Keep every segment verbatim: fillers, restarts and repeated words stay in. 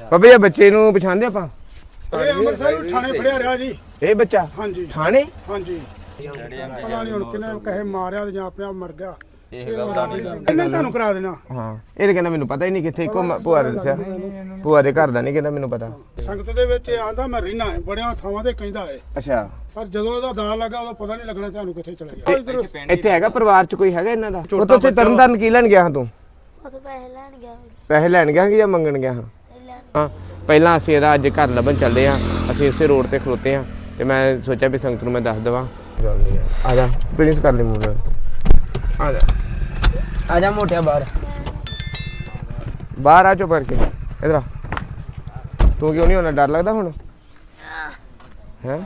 ਬਾਬੇ ਇਹ ਬੱਚੇ ਨੂੰ ਪਛਾਣਦੇ ਆਪਾਂ? ਇਹ ਅੰਮ੍ਰਿਤਸਰ ਥਾਣੇ ਫੜਿਆ ਰਿਹਾ ਜੀ ਇਹ ਬੱਚਾ? ਹਾਂਜੀ ਥਾਣੇ? ਹਾਂਜੀ ਪਤਾ ਨਹੀਂ ਹੁਣ ਕਿਨੇ ਕਹੇ ਮਾਰਿਆ ਜਾਂ ਆਪਣੇ ਆਪ ਮਰ ਗਿਆ ਇਹ ਇਹਨੇ ਤੁਹਾਨੂੰ ਕਰਾ ਦੇਣਾ। ਹਾਂ ਇਹ ਤਾਂ ਕਹਿੰਦਾ ਮੈਨੂੰ ਪਤਾ ਹੀ ਨਹੀਂ ਕਿੱਥੇ ਇੱਕੋ ਭੂਆ ਨੇ ਦੱਸਿਆ ਭੂਆ ਦੇ ਘਰ ਦਾ ਨਹੀਂ ਕਹਿੰਦਾ ਮੈਨੂੰ ਪਤਾ। ਸੰਗਤ ਦੇ ਵਿੱਚ ਆਂਦਾ ਮੈਂ ਰਹਿਣਾ ਹੈ ਬੜਿਆਂ ਥਾਵਾਂ ਤੇ ਕਹਿੰਦਾ ਹੈ ਅੱਛਾ ਪਰ ਜਦੋਂ ਇਹਦਾ ਦਾਅ ਲੱਗਾ ਉਦੋਂ ਪਤਾ ਨਹੀਂ ਲੱਗਣਾ ਤੁਹਾਨੂੰ ਕਿੱਥੇ ਚਲੇ ਗਿਆ। ਇੱਥੇ ਹੈਗਾ ਪਰਿਵਾਰ ਚ ਕੋਈ ਹੈਗਾ ਇਹਨਾਂ ਦਾ? ਉਹ ਤਾਂ ਉੱਥੇ ਤਰਨਤਾਰਨ ਕੀ ਲੈਣ ਗਿਆ ਹਾਂ ਤੂੰ? ਪੈਸੇ ਲੈਣ ਗਿਆ ਪੈਸੇ ਲੈਣ ਗਿਆ ਕਿ ਜਾਂ ਮੰਗਣ ਗਿਆ ਹਾਂ? ਹਾਂ ਪਹਿਲਾਂ ਅਸੀਂ ਇਹਦਾ ਅੱਜ ਘਰ ਲੱਭਣ ਚੱਲਦੇ ਹਾਂ। ਅਸੀਂ ਇਸੇ ਰੋਡ ਤੇ ਖਲੋਤੇ ਹਾਂ ਤੇ ਮੈਂ ਸੋਚਿਆ ਵੀ ਸੰਗਤ ਨੂੰ ਮੈਂ ਦੱਸ ਦੇਵਾਂ। ਆ ਜਾ ਪ੍ਰਿੰਸ ਕਰ ਲੈ ਮੂੰਹ ਆ ਜਾ ਆ ਜਾ ਮੋਟਿਆ ਬਾਹਰ ਬਾਹਰ ਆ ਚੁੱਪ ਕਰਕੇ ਇਧਰ ਆ। ਤੂੰ ਕਿਉਂ ਨਹੀਂ ਹੋਣਾ? ਡਰ ਲੱਗਦਾ ਹੁਣ ਹੈ?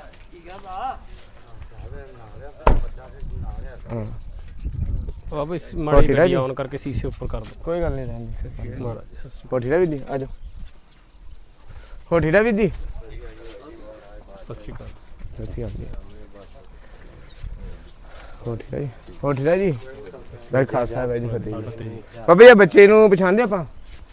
ਹਾਂ ਬਾਬਾ ਇਸ ਮਾੜੀ ਗੱਡੀ ਆਨ ਕਰਕੇ ਸੀਸੇ ਉੱਪਰ ਕਰ ਦੋ। ਕੋਈ ਗੱਲ ਨਹੀਂ ਰਹਿੰਦੀ ਮਹਾਰਾਜ ਹੋ ਠੀੜਾ ਵੀ ਦੀ ਆ ਜਾ ਹੋ ਠੀੜਾ ਵੀ ਦੀ ਸਤਿ ਸ਼੍ਰੀ ਅਕਾਲ। ਸਤਿ ਸ਼੍ਰੀ ਅਕਾਲ ਹੋ ਠੀੜਾ ਜੀ ਹੋ ਠੀੜਾ ਜੀ ਮੈਂ ਖਾਲਸਾ ਹੈ ਜੀ ਫਤਿਹ ਜੀ। ਬਾਬੇ ਇਹ ਬੱਚੇ ਨੂੰ ਪਛਾਣਦੇ ਆਪਾਂ?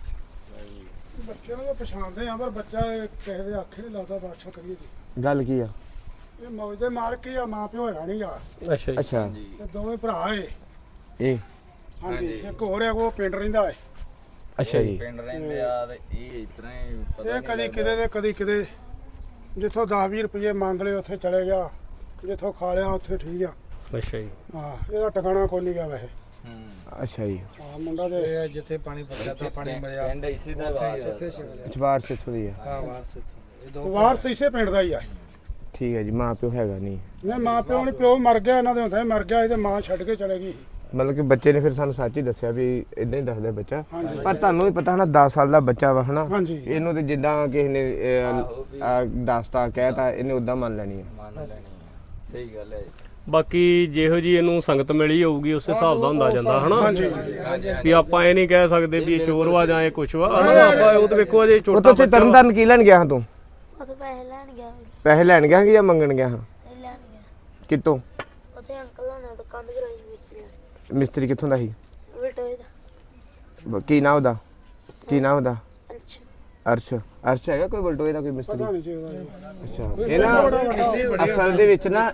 ਬੱਚਿਆਂ ਨੂੰ ਪਛਾਣਦੇ ਆ ਪਰ ਬੱਚਾ ਕਿਸੇ ਦੇ ਆਖੇ ਨਹੀਂ ਲੱਗਦਾ। ਬਾਦਸ਼ਾਹ ਕਰੀਏ ਜੀ ਗੱਲ ਕੀ ਆ? ਇਹ ਮੌਜ ਦੇ ਮਾਰ ਕੇ ਆ ਮਾਂ ਪਿਓ ਹੈਗਾ ਨਹੀਂ ਆ। ਅੱਛਾ ਜੀ ਅੱਛਾ ਤੇ ਦੋਵੇਂ ਭਰਾ ਏ। ਇਹ ਹਾਂਜੀ ਇੱਕ ਹੋਰ ਹੈ ਉਹ ਪਿੰਡ ਰਹਿੰਦਾ ਹੈ। ਅੱਛਾ ਜੀ ਪਿੰਡ ਰਹਿੰਦੇ ਆ ਤੇ ਇਹ ਇਤਨਾ ਹੀ ਪਤਾ ਇਹ ਕਦੀ ਕਿਤੇ ਤੇ ਕਦੀ ਕਿਤੇ ਜਿੱਥੋਂ ਦਸ ਵੀਹ ਰੁਪਏ ਮੰਗ ਲਏ ਉੱਥੇ ਚਲੇ ਗਿਆ ਜਿੱਥੋਂ ਖਾ ਲਿਆ ਉੱਥੇ ਠੀਕ ਆ। ਅੱਛਾ ਜੀ ਹਾਂ ਇਹਦਾ ਟਿਕਾਣਾ ਕੋਈ ਨਹੀਂ ਗਿਆ ਵੈਸੇ। ਹੂੰ ਅੱਛਾ ਜੀ ਹਾਂ ਮੁੰਡਾ ਤੇ ਜਿੱਥੇ ਪਾਣੀ ਪੱਕਿਆ ਤਾਂ ਪਾਣੀ ਮਿਲਿਆ ਪਿੰਡ ਇਸੇ ਦਾ ਵਾਸ ਅਚਵਾਰ ਛੇ ਸੌ ਦੀ ਆ। ਹਾਂ ਵਾਰਸ ਵਾਰਸ ਇਸੇ ਪਿੰਡ ਦਾ ਹੀ ਆ। ਠੀਕ ਹੈ ਜੀ ਮਾਂ ਪਿਓ ਹੈਗਾ ਨਹੀਂ? ਨਹੀਂ ਮਾਂ ਪਿਓ ਨਹੀਂ ਪਿਓ ਮਰ ਗਿਆ ਇਹਨਾਂ ਦੇ ਹੁੰਦਾ ਮਰ ਗਿਆ ਇਹਦੇ ਮਾਂ ਛੱਡ ਕੇ ਚਲੇ ਗਈ। ਮਤਲਬ ਕਿ ਬੱਚੇ ਨੇ ਫਿਰ ਸਾਨੂੰ ਸੱਚ ਹੀ ਦੱਸਿਆ ਵੀ ਇਦਾਂ ਹੀ ਦੱਸਦਾ ਬੱਚਾ। ਹਾਂਜੀ। ਪਰ ਤੁਹਾਨੂੰ ਵੀ ਪਤਾ ਹਨਾ ਦਸ ਸਾਲ ਦਾ ਬੱਚਾ ਵਾ ਹਨਾ ਹਾਂਜੀ ਇਹਨੂੰ ਤੇ ਜਿੱਦਾਂ ਕਿਸੇ ਨੇ ਦੱਸਤਾ ਕਹਿਤਾ ਇਹਨੇ ਉਦਾਂ ਮੰਨ ਲੈਣੀ ਹੈ। ਮੰਨ ਲੈਣੀ ਸਹੀ ਗੱਲ ਹੈ। ਬਾਕੀ ਜਿਹੋ ਜੀ ਇਹਨੂੰ ਸੰਗਤ ਮਿਲੀ ਹੋਊਗੀ ਉਸੇ ਹਿਸਾਬ ਦਾ ਹੁੰਦਾ ਜਾਂਦਾ ਹਨਾ ਹਾਂਜੀ ਵੀ ਆਪਾਂ ਇਹ ਨਹੀਂ ਕਹਿ ਸਕਦੇ ਵੀ ਇਹ ਚੋਰ ਵਾ ਜਾਂ ਇਹ ਕੁਛ ਵਾ ਹਨਾ। ਆਪਾਂ ਉਹ ਤੇ ਵੇਖੋ ਅਜੇ ਉਹ ਛੋਟਾ ਤਾਂ ਉੱਥੇ ਤਰਨਤਾਰਨ ਕੀ ਲੈਣ ਗਿਆ ਹਾਂ ਤੂੰ? ਉੱਥੇ ਪੈਸੇ ਲੈਣ ਗਿਆ ਪੈਸੇ ਲੈਣ ਗਿਆ ਕਿ ਜਾਂ ਮੰਗਣ ਗਿਆ ਹਾਂ? ਲੈਣ ਗਿਆ ਕਿੱਥੋਂ? ਉੱਥੇ ਅੰਕਲ ਹੋਣਾ ਤੋਂ ਕੰਧ ਕਰਾਈ ਮਿਸਤਰੀ ਨੇ। ਮਿਸਤਰੀ ਕਿੱਥੋਂ ਦਾ ਸੀ? ਬਟੋਏ ਦਾ ਕੀ ਨਾਂ ਉਹਦਾ? ਕੀ ਨਾਂ ਉਹਦਾ? ਅੱਛਾ ਅਰਸ਼ ਅਰਸ਼ ਹੈਗਾ ਕੋਈ ਬਲਟੋਏ ਦਾ ਕੋਈ ਮਿਸਤਰੀ? ਪਤਾ ਨਹੀਂ ਜੀ ਉਹਦਾ। ਅੱਛਾ ਇਹ ਨਾ ਅਸਲ ਦੇ ਵਿੱਚ ਨਾ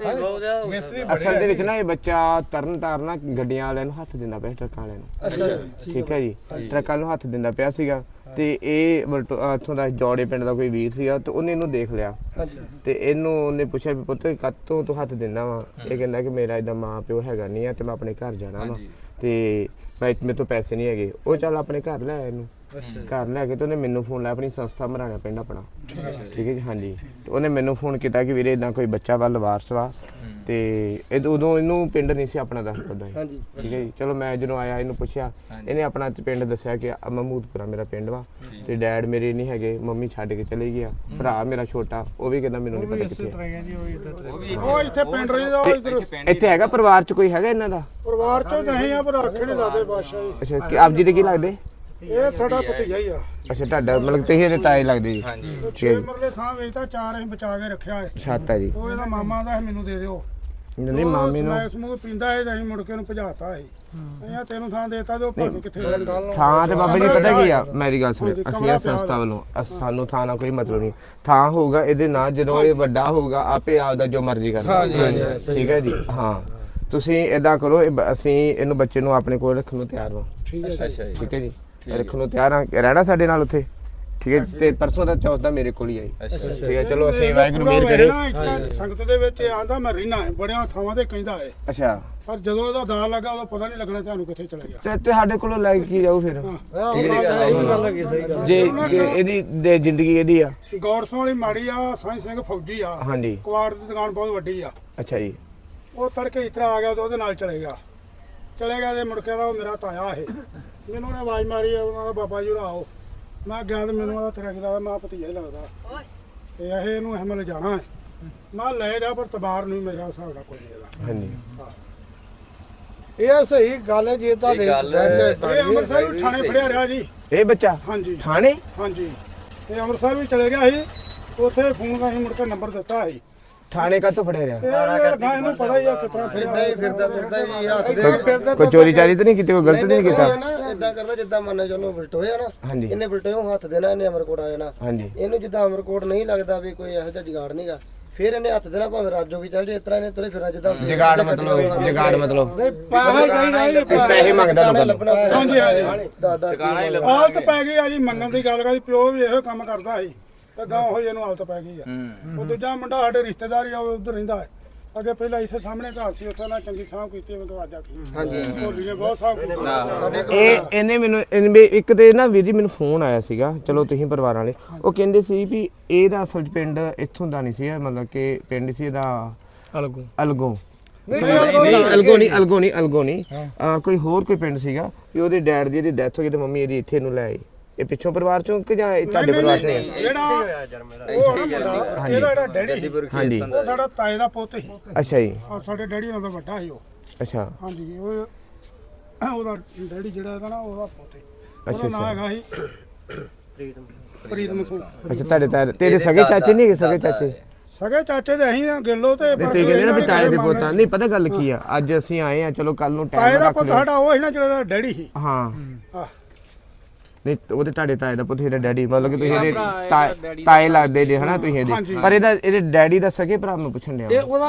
ਅਸਲ ਦੇ ਵਿੱਚ ਨਾ ਇਹ ਬੱਚਾ ਤਰਨ ਤਾਰਨ ਗੱਡੀਆਂ ਵਾਲਿਆਂ ਨੂੰ ਹੱਥ ਦਿੰਦਾ ਪਿਆ ਟਰੱਕਾਂ ਵਾਲਿਆਂ ਨੂੰ। ਠੀਕ ਹੈ ਜੀ ਟਰੱਕਾਂ ਨੂੰ ਹੱਥ ਦਿੰਦਾ ਪਿਆ ਸੀਗਾ ਤੇ ਇਹ ਬਲਟੋ ਇੱਥੋਂ ਦਾ ਜੋੜੇ ਪਿੰਡ ਦਾ ਕੋਈ ਵੀਰ ਸੀਗਾ ਤੇ ਉਹਨੇ ਇਹਨੂੰ ਦੇਖ ਲਿਆ ਤੇ ਇਹਨੂੰ ਉਹਨੇ ਪੁੱਛਿਆ ਵੀ ਪੁੱਤ ਕਾਤੋਂ ਤੂੰ ਹੱਥ ਦਿੰਦਾ ਵਾ? ਇਹ ਕਹਿੰਦਾ ਕਿ ਮੇਰਾ ਏਦਾਂ ਮਾਂ ਪਿਓ ਹੈਗਾ ਨਹੀਂ ਆ ਤੇ ਮੈਂ ਆਪਣੇ ਘਰ ਜਾਣਾ ਵਾ ਤੇ ਮੈਂ ਮੇਰੇ ਤੋਂ ਪੈਸੇ ਨਹੀਂ ਹੈਗੇ। ਉਹ ਚੱਲ ਆਪਣੇ ਘਰ ਲੈ ਆਇਆ ਇਹਨੂੰ ਘਰ ਲੈ ਕੇ ਤੇ ਉਹਨੇ ਮੈਨੂੰ ਫੋਨ ਲਾਇਆ ਆਪਣੀ ਸੰਸਥਾ ਮਰਾਣਾ ਪਿੰਡ ਆਪਣਾ। ਠੀਕ ਹੈ ਜੀ ਹਾਂਜੀ ਤੇ ਉਹਨੇ ਮੈਨੂੰ ਫੋਨ ਕੀਤਾ ਕਿ ਵੀਰੇ ਇਦਾਂ ਕੋਈ ਬੱਚਾ ਵਾ ਲਵਾਰਸ ਵਾ ਤੇ ਇਹ ਉਦੋਂ ਇਹਨੂੰ ਪਿੰਡ ਨਹੀਂ ਸੀ ਆਪਣਾ ਦੱਸ ਪਤਾ ਸੀ। ਠੀਕ ਹੈ ਜੀ ਚਲੋ ਮੈਂ ਜਦੋਂ ਆਇਆ ਇਹਨੂੰ ਪੁੱਛਿਆ ਇਹਨੇ ਆਪਣਾ ਪਿੰਡ ਦੱਸਿਆ ਕਿ ਮਹਿਮੂਦਪੁਰਾ ਮੇਰਾ ਪਿੰਡ ਵਾ ਤੇ ਡੈਡ ਮੇਰੇ ਨਹੀਂ ਹੈਗੇ ਮੰਮੀ ਛੱਡ ਕੇ ਚਲੇ ਗਿਆ। ਭਰਾ ਮੇਰਾ ਛੋਟਾ ਉਹ ਵੀ ਕਹਿੰਦਾ ਮੈਨੂੰ ਨਹੀਂ ਪਤਾ ਕਿੱਥੇ। ਉਹ ਇੱਥੇ ਪਿੰਡ ਰਹਿੰਦਾ ਉਹ ਇੱਧਰ ਇੱਥੇ ਹੈਗਾ ਪਰਿਵਾਰ ਚ ਕੋਈ ਹੈਗਾ ਇਹਨਾਂ ਦਾ? ਪਰਿਵਾਰ ਚੋਂ ਨਹੀਂ ਆ ਪਰ ਆਖੇ ਨਹੀਂ ਲਾਦੇ ਬਾਦਸ਼ਾਹ ਜੀ। ਅੱਛਾ ਕਿ ਆਪ ਜੀ ਦੇ ਕੀ ਲੱਗਦੇ? ਇਹ ਸਾਡਾ ਭਤੀਜਾ ਹੀ ਆ। ਅੱਛਾ ਤੁਹਾਡਾ ਮਤਲਬ ਤੁਸੀਂ ਇਹਦੇ ਤਾਏ ਲੱਗਦੇ ਜੀ? ਛੇ ਮਰਲੇ ਥਾਂ ਵੇਚਦਾ ਚਾਰ ਅਸੀਂ ਬਚਾ ਕੇ ਰੱਖਿਆ ਹੈ। ਸੱਤ ਹੈ ਜੀ। ਉਹ ਇਹਦਾ ਮਾਮਾ ਦਾ ਮੈਨੂੰ ਦੇ ਦਿਓ। ਨਹੀਂ ਮਾਮੇ ਨੂੰ ਮੈਂ ਸਮੂਹ ਪੀਂਦਾ ਇਹ ਅਸੀਂ ਮੁੜ ਕੇ ਉਹਨੂੰ ਭਜਾਤਾ ਸੀ। ਅਸੀਂ ਤੈਨੂੰ ਥਾਂ ਦੇਤਾ ਤੇ ਉਹ ਭਾਵੇਂ ਕਿੱਥੇ ਥਾਂ ਤੇ ਬਾਬਾ ਜੀ ਪਤਾ ਕੀ ਆ ਮੇਰੀ ਗੱਲ ਸੁਣੋ ਅਸੀਂ ਇਹ ਸੰਸਥਾ ਵੱਲੋਂ ਸਾਨੂੰ ਥਾਂ ਨਾਲ ਕੋਈ ਮਤਲਬ ਨਹੀਂ। ਥਾਂ ਹੋਊਗਾ ਇਹਦੇ ਨਾਲ ਜਦੋਂ ਇਹ ਵੱਡਾ ਹੋਊਗਾ ਆਪੇ ਆਪਦਾ ਜੋ ਮਰਜ਼ੀ ਕਰਨਾ। ਠੀਕ ਹੈ ਜੀ ਹਾਂ ਤੁਸੀਂ ਇਦਾਂ ਕਰੋ ਅਸੀਂ ਇਹਨੂੰ ਬੱਚੇ ਨੂੰ ਆਪਣੇ ਕੋਲ ਰੱਖਣ ਨੂੰ ਤਿਆਰ ਹਾਂ। ਠੀਕ ਹੈ ਜੀ ਠੀਕ ਹੈ ਜੀ ਰੱਖਣ ਨੂੰ ਤਿਆਰ ਹਾਂ ਰਹਿਣਾ ਸਾਡੇ ਨਾਲ ਉੱਥੇ। ਠੀਕ ਹੈ ਤੇ ਪਰਸੋਂ ਦਾ ਚੌਥ ਦਾ ਮੇਰੇ ਕੋਲ ਹੀ ਆਈ। ਠੀਕ ਹੈ ਚਲੋ ਅਸੀਂ ਵਾਹਿਗੁਰੂ ਮਿਹਰ ਕਰੇ। ਸੰਗਤ ਦੇ ਵਿੱਚ ਆਂਦਾ ਮੈਂ ਰਹਿਣਾ ਹੈ ਬੜਿਆਂ ਥਾਵਾਂ ਤੇ ਕਹਿੰਦਾ ਹੈ ਅੱਛਾ ਪਰ ਜਦੋਂ ਇਹਦਾ ਦਾਅ ਲੱਗਾ ਉਦੋਂ ਪਤਾ ਨਹੀਂ ਲੱਗਣਾ ਤੁਹਾਨੂੰ ਕਿੱਥੇ ਚਲੇ ਗਿਆ। ਤੇ ਸਾਡੇ ਕੋਲੋਂ ਲੈ ਕੇ ਜਾਊ ਫਿਰ ਜੇ ਇਹਦੀ ਜ਼ਿੰਦਗੀ ਇਹਦੀ ਆ। ਗੌਰਸੋਂ ਵਾਲੀ ਮਾੜੀ ਆ ਸਾਈਂ ਸਿੰਘ ਫੌਜੀ ਆ। ਹਾਂਜੀ ਕੁਆੜ ਦੀ ਦੁਕਾਨ ਬਹੁਤ ਵੱਡੀ ਆ। ਅੱਛਾ ਜੀ ਉਹ ਤੜਕੇ ਇਤਰਾ ਆ ਗਿਆ ਤਾਂ ਉਹਦੇ ਨਾਲ ਚਲੇ ਗਿਆ ਚਲੇ ਗਿਆ ਤੇ ਮੁੜ ਕੇ ਦਾ ਉਹ ਮੇਰਾ ਤਾਇਆ ਇਹ ਮੈਨੂੰ ਉਹਨੇ ਆਵਾਜ਼ ਮਾਰੀ ਉਹਨਾਂ ਦਾ ਬਾਬਾ ਜੀ ਆਓ। ਮੈਂ ਗਿਆ ਤੇ ਮੈਨੂੰ ਉਹਦਾ ਤੇਰਾ ਕਿਦਾ ਮੈਂ ਭਤੀਜਾ ਹੀ ਲੱਗਦਾ ਤੇ ਇਹ ਇਹਨੂੰ ਅਹਿਮਲ ਜਾਣਾ ਹੈ। ਮੈਂ ਲੈ ਜਾ ਪਰ ਤਬਾਰ ਨਹੀਂ ਮੇਰਾ ਹਿਸਾਬ ਨਾਲ ਕੋਈ ਨਹੀਂ ਇਹਦਾ। ਹਾਂਜੀ ਇਹ ਸਹੀ ਗੱਲ ਹੈ ਜੇ ਤੁਹਾਡੇ ਇਹ ਅੰਮ੍ਰਿਤਸਰ ਥਾਣੇ ਫੜਿਆ ਰਿਹਾ ਜੀ ਇਹ ਬੱਚਾ? ਹਾਂਜੀ ਥਾਣੇ? ਹਾਂਜੀ ਇਹ ਅੰਮ੍ਰਿਤਸਰ ਵੀ ਚਲੇ ਗਿਆ ਸੀ ਉੱਥੇ ਫੋਨ ਰਾਹੀਂ ਮੁੜ ਕੇ ਨੰਬਰ ਦਿੱਤਾ ਸੀ। ਥਾਣੇ ਕਾ ਤੋਂ ਫੜਿਆ ਰਿਹਾ? ਇਹਨੂੰ ਪਤਾ ਹੀ ਆ ਕਿਤਨਾ ਫਿਰਦਾ ਹੀ ਫਿਰਦਾ ਤੁਰਦਾ ਹੀ ਹੱਥ ਕੋਈ ਚੋਰੀ ਚਾਰੀ ਤਾਂ ਨਹੀਂ ਕੀਤੀ ਕੋਈ ਗਲਤ ਨਹੀਂ ਕੀਤਾ? ਇਦਾਂ ਕਰਦਾ ਜਿੱਦਾਂ ਮੰਨ ਚਲੋ ਬਲਟੋਇਆ ਨਾ ਹਾਂਜੀ ਇਹਨੇ ਬਲਟੋਇਓ ਹੱਥ ਦੇਣਾ ਇਹਨੇ ਅਮਰਕੋਟ ਆ ਜਾਣਾ ਹਾਂਜੀ ਇਹਨੂੰ ਜਿੱਦਾਂ ਅਮਰਕੋਟ ਨਹੀਂ ਲੱਗਦਾ ਵੀ ਕੋਈ ਇਹੋ ਜਿਹਾ ਜਗਾੜ ਨਹੀਂਗਾ ਫਿਰ ਇਹਨੇ ਹੱਥ ਦੇਣਾ ਭਾਵੇਂ ਰਾਜੋ ਵੀ ਚੱਲ ਜੇ ਇਸ ਤਰ੍ਹਾਂ ਇਹਨੇ ਤੁਰੇ ਫਿਰਾਂ ਜਿੱਦਾਂ ਜਗਾੜ ਮਤਲਬ ਜਗਾੜ ਮਤਲਬ ਪੈਸਾ ਚਾਹੀਦਾ ਜੀ ਪੈਸੇ ਮੰਗਦਾ ਲੋਕਾਂ ਲੱਭਣਾ ਹਾਂਜੀ ਹਾਂਜੀ ਦਾਦਾ ਟਿਕਾਣਾ ਹੀ ਲੱਭ ਹਾਲਤ ਪੈ ਗਈ ਆ ਜੀ ਮੰਗਣ ਦੀ ਗੱਲ ਕਰਦੀ ਪਿਓ ਵੀ ਇਹੋ ਕੰਮ ਕਰਦਾ ਸੀ ਤੇ ਗਾਂ ਹੋਈ ਇਹਨੂੰ ਹਾਲਤ ਪੈ ਗਈ ਆ ਹੂੰ ਉਹ ਦੂਜਾ ਮੁੰਡਾ ਸਾਡੇ ਰਿਸ਼ਤੇਦਾਰ ਹੀ ਆ ਉਹ ਉਧਰ ਰਹਿੰਦਾ ਹੈ ਅੱਗੇ ਪਹਿਲਾਂ ਇੱਥੇ ਸਾਹਮਣੇ ਘਰ ਸੀ ਉੱਥੇ ਨਾਲ ਚੰਗੀ ਸਾਂਭ ਕੀਤੀ ਮੈਂ ਦਵਾਜਾ ਹਾਂਜੀ ਹੋਲੀ ਨੇ ਬਹੁਤ ਸਾਂਭ ਕੀਤੀ ਸਾਡੇ ਇਹ ਇਹਨੇ ਮੈਨੂੰ ਇਹਨੇ ਵੀ ਇੱਕ ਤੇ ਨਾ ਵੀਰ ਜੀ ਮੈਨੂੰ ਫੋਨ ਆਇਆ ਸੀਗਾ ਚਲੋ ਤੁਸੀਂ ਪਰਿਵਾਰ ਵਾਲੇ ਉਹ ਕਹਿੰਦੇ ਸੀ ਵੀ ਇਹਦਾ ਅਸਲ 'ਚ ਪਿੰਡ ਇੱਥੋਂ ਦਾ ਨਹੀਂ ਸੀ ਮਤਲਬ ਕਿ ਪਿੰਡ ਸੀ ਇਹਦਾ ਅਲਗੋ ਅਲਗੋ ਨਹੀਂ ਅਲਗੋ ਨਹੀਂ ਅਲਗੋ ਨਹੀਂ ਅਲਗੋ ਨਹੀਂ ਅਹ ਕੋਈ ਹੋਰ ਕੋਈ ਪਿੰਡ ਸੀਗਾ ਵੀ ਉਹਦੇ ਡੈਡ ਦੀ ਇਹਦੀ ਡੈਥ ਹੋ ਗਈ ਤੇ ਮੰਮੀ ਇਹਦੀ ਇੱਥੇ ਨੂੰ ਲੈ ਆਈ ਇਹ ਪਿੱਛੋਂ ਪਰਿਵਾਰ ਚੋਂ ਕਿ ਜਾਂ ਇਹ ਤੁਹਾਡੇ ਪਰਿਵਾਰ ਚੋਂ ਹੈ? ਜਿਹੜਾ ਉਹ ਮੁੰਡਾ, ਇਹਦਾ ਜਿਹੜਾ ਡੈਡੀ ਸੀ ਹਾਂਜੀ ਉਹ ਸਾਡਾ ਤਾਏ ਦਾ ਪੁੱਤ ਸੀ ਅੱਛਾ ਜੀ ਆ ਸਾਡੇ ਡੈਡੀ ਨਾਲ ਦਾ ਵੱਡਾ ਸੀ ਉਹ ਅੱਛਾ ਹਾਂਜੀ ਉਹ ਉਹਦਾ ਡੈਡੀ ਜਿਹੜਾ ਇਹਦਾ ਨਾ ਉਹਦਾ ਪੁੱਤ ਸੀ ਅੱਛਾ ਉਹਦਾ ਨਾਮ ਅੱਛਾ ਹੈਗਾ ਸੀ ਪ੍ਰੀਤਮ ਸਿੰਘ ਅੱਛਾ ਤੁਹਾਡੇ ਤਾਏ ਤੇਰੇ ਸਗੇ ਚਾਚੇ ਨਹੀਂ ਹੈਗੇ ਸਗੇ ਚਾਚੇ ਸਗੇ ਚਾਚੇ ਦੇ ਅਸੀਂ ਆ ਗਿੱਲੋ ਤੇ ਨਹੀਂ ਤੁਸੀਂ ਕਹਿੰਦੇ ਨਾ ਵੀ ਤਾਏ ਦੇ ਪੋਤਾ ਨਹੀਂ ਪਤਾ ਗੱਲ ਕੀ ਆ ਅੱਜ ਅਸੀਂ ਆਏ ਆ ਚਲੋ ਕੱਲ ਨੂੰ ਤਾਏ ਟਾਈਮ ਦਾ ਰੱਖ ਪੁੱਤ ਲਿਓ ਸਾਡਾ ਉਹ ਸੀ ਨਾ ਜਿਹੜਾ ਡੈਡੀ ਸੀ ਹਾਂ ਆਹ ਨਹੀਂ ਉਹਦੇ ਤੁਹਾਡੇ ਤਾਏ ਦਾ ਪੁੱਤ ਇਹਦਾ ਡੈਡੀ ਮਤਲਬ ਕਿ ਤੁਸੀਂ ਇਹਦੇ ਤਾਏ ਤਾਏ ਲੱਗਦੇ ਜੇ ਹਨਾ ਤੁਸੀਂ ਇਹਦੇ ਪਰ ਇਹਦਾ ਇਹਦੇ ਡੈਡੀ ਦਾ ਸਕੇ ਭਰਾ ਨੂੰ ਪੁੱਛਣ ਡਿਆ ਉਹਦਾ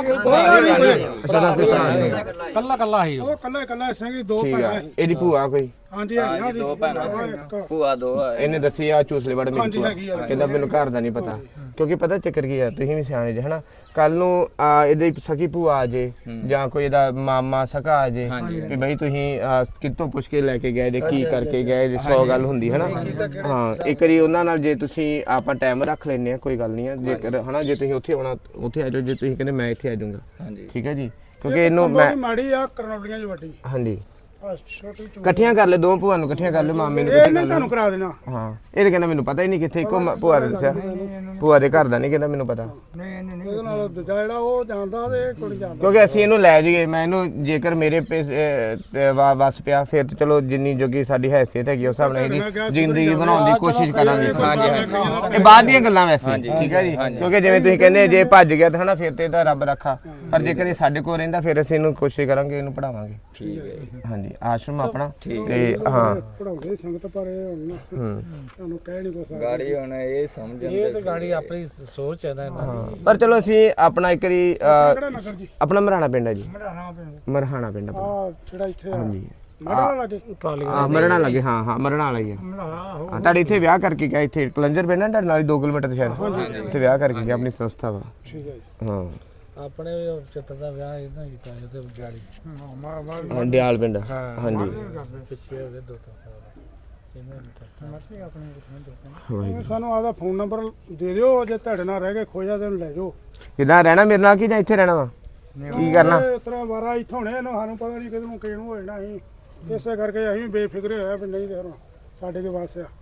ਅੱਛਾ ਦਾ ਕੋਈ ਭਰਾ ਨਹੀਂ ਕੱਲਾ ਕੱਲਾ ਸੀ ਉਹ ਕੱਲਾ ਕੱਲਾ ਸਿੰਘ ਦੋ ਠੀਕ ਭੈਣਾਂ ਆ ਸੀ ਇਹਦੀ ਭੂਆ ਕੋਈ ਹਾਂਜੀ ਹੈਗੀ ਹਾਂਜੀ ਦੋ ਭੈਣਾਂ ਭੂਆ ਦੋ ਆ ਇਹਨੇ ਦੱਸੀ ਆ ਚੂਸਲੇ ਵੜ ਮੇਰੀ ਹਾਂਜੀ, ਭੂਆ ਹੈਗੀ ਆ। ਕਹਿੰਦਾ ਮੈਨੂੰ ਘਰ ਦਾ ਨਹੀਂ ਪਤਾ ਕਿਉਂਕਿ ਪਤਾ ਚੱਕਰ ਕੀ ਆ ਤੁਸੀਂ ਵੀ ਸਿਆਣੇ ਜੇ ਹਨਾ ਕੱਲ ਨੂੰ ਆ, ਇਹਦੀ ਸਕੀ ਭੂਆ ਆ ਜੇ ਜਾਂ ਕੋਈ ਇਹਦਾ ਮਾਮਾ ਸਕਾ ਆ ਜੇ ਵੀ ਬਈ ਤੁਸੀਂ ਆ, ਕਿੱਥੋਂ ਪੁੱਛ ਕੇ ਲੈ ਕੇ ਗਏ ਜੇ ਕੀ ਕਰਕੇ ਗਏ ਜੇ ਸੌ ਗੱਲ ਹੁੰਦੀ ਹਨਾ ਹਾਂ ਇੱਕ ਵਾਰੀ ਉਹਨਾਂ ਨਾਲ ਜੇ ਤੁਸੀਂ ਆਪਾਂ ਟਾਈਮ ਰੱਖ ਲੈਨੇ ਆ ਕੋਈ ਗੱਲ ਨਹੀਂ ਆ ਜੇਕਰ ਹਨਾ ਜੇ ਤੁਸੀਂ ਉੱਥੇ ਆਉਣਾ ਉੱਥੇ ਆ ਜਾਓ ਜੇ ਤੁਸੀਂ ਕਹਿੰਦੇ ਮੈਂ ਇੱਥੇ ਆ ਜਾਊਂਗਾ ਹਾਂਜੀ ਠੀਕ ਹੈ ਜੀ ਕਿਉਂਕਿ ਇਹਨੂੰ ਮੈਂ ਮਾੜੀ ਆ ਕਰਨੌਲੀਆਂ ਚ ਵੱਡੀ ਹਾਂਜੀ ਆ ਛੋਟੀ ਚੂੜੀ ਇਕੱਠੀਆਂ ਕਰ ਲੈ ਦੋ ਭੂਆ ਨੂੰ ਇਕੱਠੀਆਂ ਕਰ ਲੈ ਮਾਮੇ ਨੂੰ ਇਹ ਇਕੱਠੇ ਨਹੀਂ ਕਰ ਤੁਹਾਨੂੰ ਲੈ ਕਰਾ ਦੇਣਾ ਹਾਂ ਇਹ ਤਾਂ ਕਹਿੰਦਾ ਮੈਨੂੰ ਪਤਾ ਹੀ ਨਹੀਂ ਕਿੱਥੇ ਇੱਕੋ ਮ- ਭੂਆ ਨੇ ਦੱਸਿਆ ਭੂਆ ਦੇ ਘਰ ਦਾ ਨਹੀਂ ਕਹਿੰਦਾ ਮੈਨੂੰ ਪਤਾ ਇਹਦੇ ਨਾਲ ਦੂਜਾ ਜਿਹੜਾ ਉਹ ਜਾਂਦਾ ਤੇ ਕੁੜੀ ਜਾਂਦਾ ਕਿਉਂਕਿ ਅਸੀਂ ਇਹਨੂੰ ਲੈ ਜਾਈਏ ਮੈਂ ਇਹਨੂੰ ਜੇਕਰ ਮੇਰੇ ਪੇ- ਅਹ, ਤੇ ਵਾ- ਵਸ ਪਿਆ ਫਿਰ ਤਾਂ ਚਲੋ ਜਿੰਨੀ ਜੋਗੀ ਸਾਡੀ ਹੈਸੀਅਤ ਹੈਗੀ ਉਸ ਹਿਸਾਬ ਨਾਲ ਇਹਦੀ ਜ਼ਿੰਦਗੀ ਬਣਾਉਣ ਦੀ ਕੋਸ਼ਿਸ਼ ਕਰਾਂਗੇ ਇਹ ਬਾਅਦ ਦੀਆਂ ਗੱਲਾਂ ਵੈਸੇ ਠੀਕ ਹੈ ਜੀ ਕਿਉਂਕਿ ਜਿਵੇਂ ਤੁਸੀਂ ਕਹਿੰਦੇ ਜੇ ਭੱਜ ਗਿਆ ਤਾਂ ਹਨਾ ਫਿਰ ਤੇ ਇਹਦਾ ਰੱਬ ਰੱਖਾ ਪਰ ਜੇਕਰ ਇਹ ਸਾਡੇ ਕੋਲ ਰਹਿੰਦਾ ਫਿਰ ਅਸੀਂ ਇਹਨੂੰ ਕੋਸ਼ਿਸ਼ ਕਰਾਂਗੇ ਇਹਨੂੰ ਪੜਾਵਾਂਗੇ ਠੀਕ ਹੈ ਜੀ। ਹਾਂਜੀ ਆਸ਼ਰਮ ਆਪਣਾ ਤੇ ਹਾਂ ਪੜਾਉਂਦੇ ਸੰਗਤ ਪਰ ਇਹ ਹੁਣ ਨਾ ਹੂੰ ਤੁਹਾਨੂੰ ਕਹਿ ਨਹੀਂ ਕੁਛ ਗਾੜੀ ਹੁਣ ਇਹ ਸਮਝਣ ਇਹ ਤਾਂ ਗਾੜੀ ਆਪਣੀ ਸੋਚ ਹੈ ਨਾ ਇਹਨਾਂ ਦੀ ਪਰ ਚਲੋ ਅਸੀਂ ਆਪਣਾ ਇੱਕ ਵਾਰੀ ਅਹ, ਕਿਹੜਾ ਨਗਰ ਜੀ ਆਪਣਾ ਮਰਾਣਾ ਪਿੰਡ ਹੈ ਜੀ ਮੜਾਣਾ ਪਿੰਡ ਮਰਹਾਣਾ ਪਿੰਡ ਆਪਣਾ ਆ ਜਿਹੜਾ ਇੱਥੇ ਆ ਹਾਂਜੀ ਮੜਾਣਾ ਲੱਗੇ ਆ ਮਰਣਾ ਲੱਗੇ ਹਾਂ ਹਾਂ ਮਰਣਾ ਵਾਲਾ ਹੀ ਆ ਮੜਾਣਾ ਉਹ ਹਾਂ ਤੁਹਾਡੇ ਇੱਥੇ ਵਿਆਹ ਕਰਕੇ ਗਿਆ ਇੱਥੇ ਕਲੰਜਰ ਪਿੰਡ ਹੈ ਤੁਹਾਡੇ ਨਾਲ ਹੀ ਦੋ ਕਿਲੋਮੀਟਰ ਤੇ ਸ਼ਾਇਦ ਇੱਥੇ ਵਿਆਹ ਕਰਕੇ ਗਿਆ ਆਪਣੀ ਸੰਸਥਾ ਵਾ ਠੀਕ ਹੈ ਜੀ ਹਾਂ ਆਪਣੇ ਵੀ ਚਿੱਤਰ ਦਾ ਵਿਆਹ ਇਹਨਾਂ ਕੀਤਾ ਤੇ ਗਾੜੀ ਮਾ ਮਾ ਹਾਂ, ਡਿਆਲ ਪਿੰਡ ਹਾਂਜੀ ਪਿੱਛੇ ਹੋ ਗਏ ਦੋ ਤਿੰਨ ਸਾਲ ਇਹਨਾਂ ਨੇ ਮਰਜ਼ੀ ਆਪਣੇ ਵਾਹਿਗੁਰੂ। ਸਾਨੂੰ ਆਦਾ ਫੋਨ ਨੰਬਰ ਦੇ ਦਿਓ ਜੇ ਤੁਹਾਡੇ ਨਾਲ ਰਹਿ ਕੇ ਖੋਜਾ ਤੇ ਲੈ ਜਾਓ ਕਿੱਦਾਂ ਰਹਿਣਾ ਮੇਰੇ ਨਾਲ ਕੀ ਜਾਂ ਇੱਥੇ ਰਹਿਣਾ ਵਾ ਕੀ ਕਰਨਾ ਇਸ ਤਰ੍ਹਾਂ ਵਾਰਾ ਇੱਥੋਂ ਨੇ ਇਹਨੂੰ ਸਾਨੂੰ ਪਤਾ ਨਹੀਂ ਕਿਦੋਂ ਕਿਹਨੂੰ ਹੋ ਜਾਣਾ ਅਸੀਂ ਇਸੇ ਕਰਕੇ ਅਸੀਂ ਬੇਫਿਕਰੇ ਹੋਇਆ ਵੀ ਨਹੀਂ ਤੇ ਹੁਣ ਸਾਡੇ ਦੇ ਵਾਸ ਆ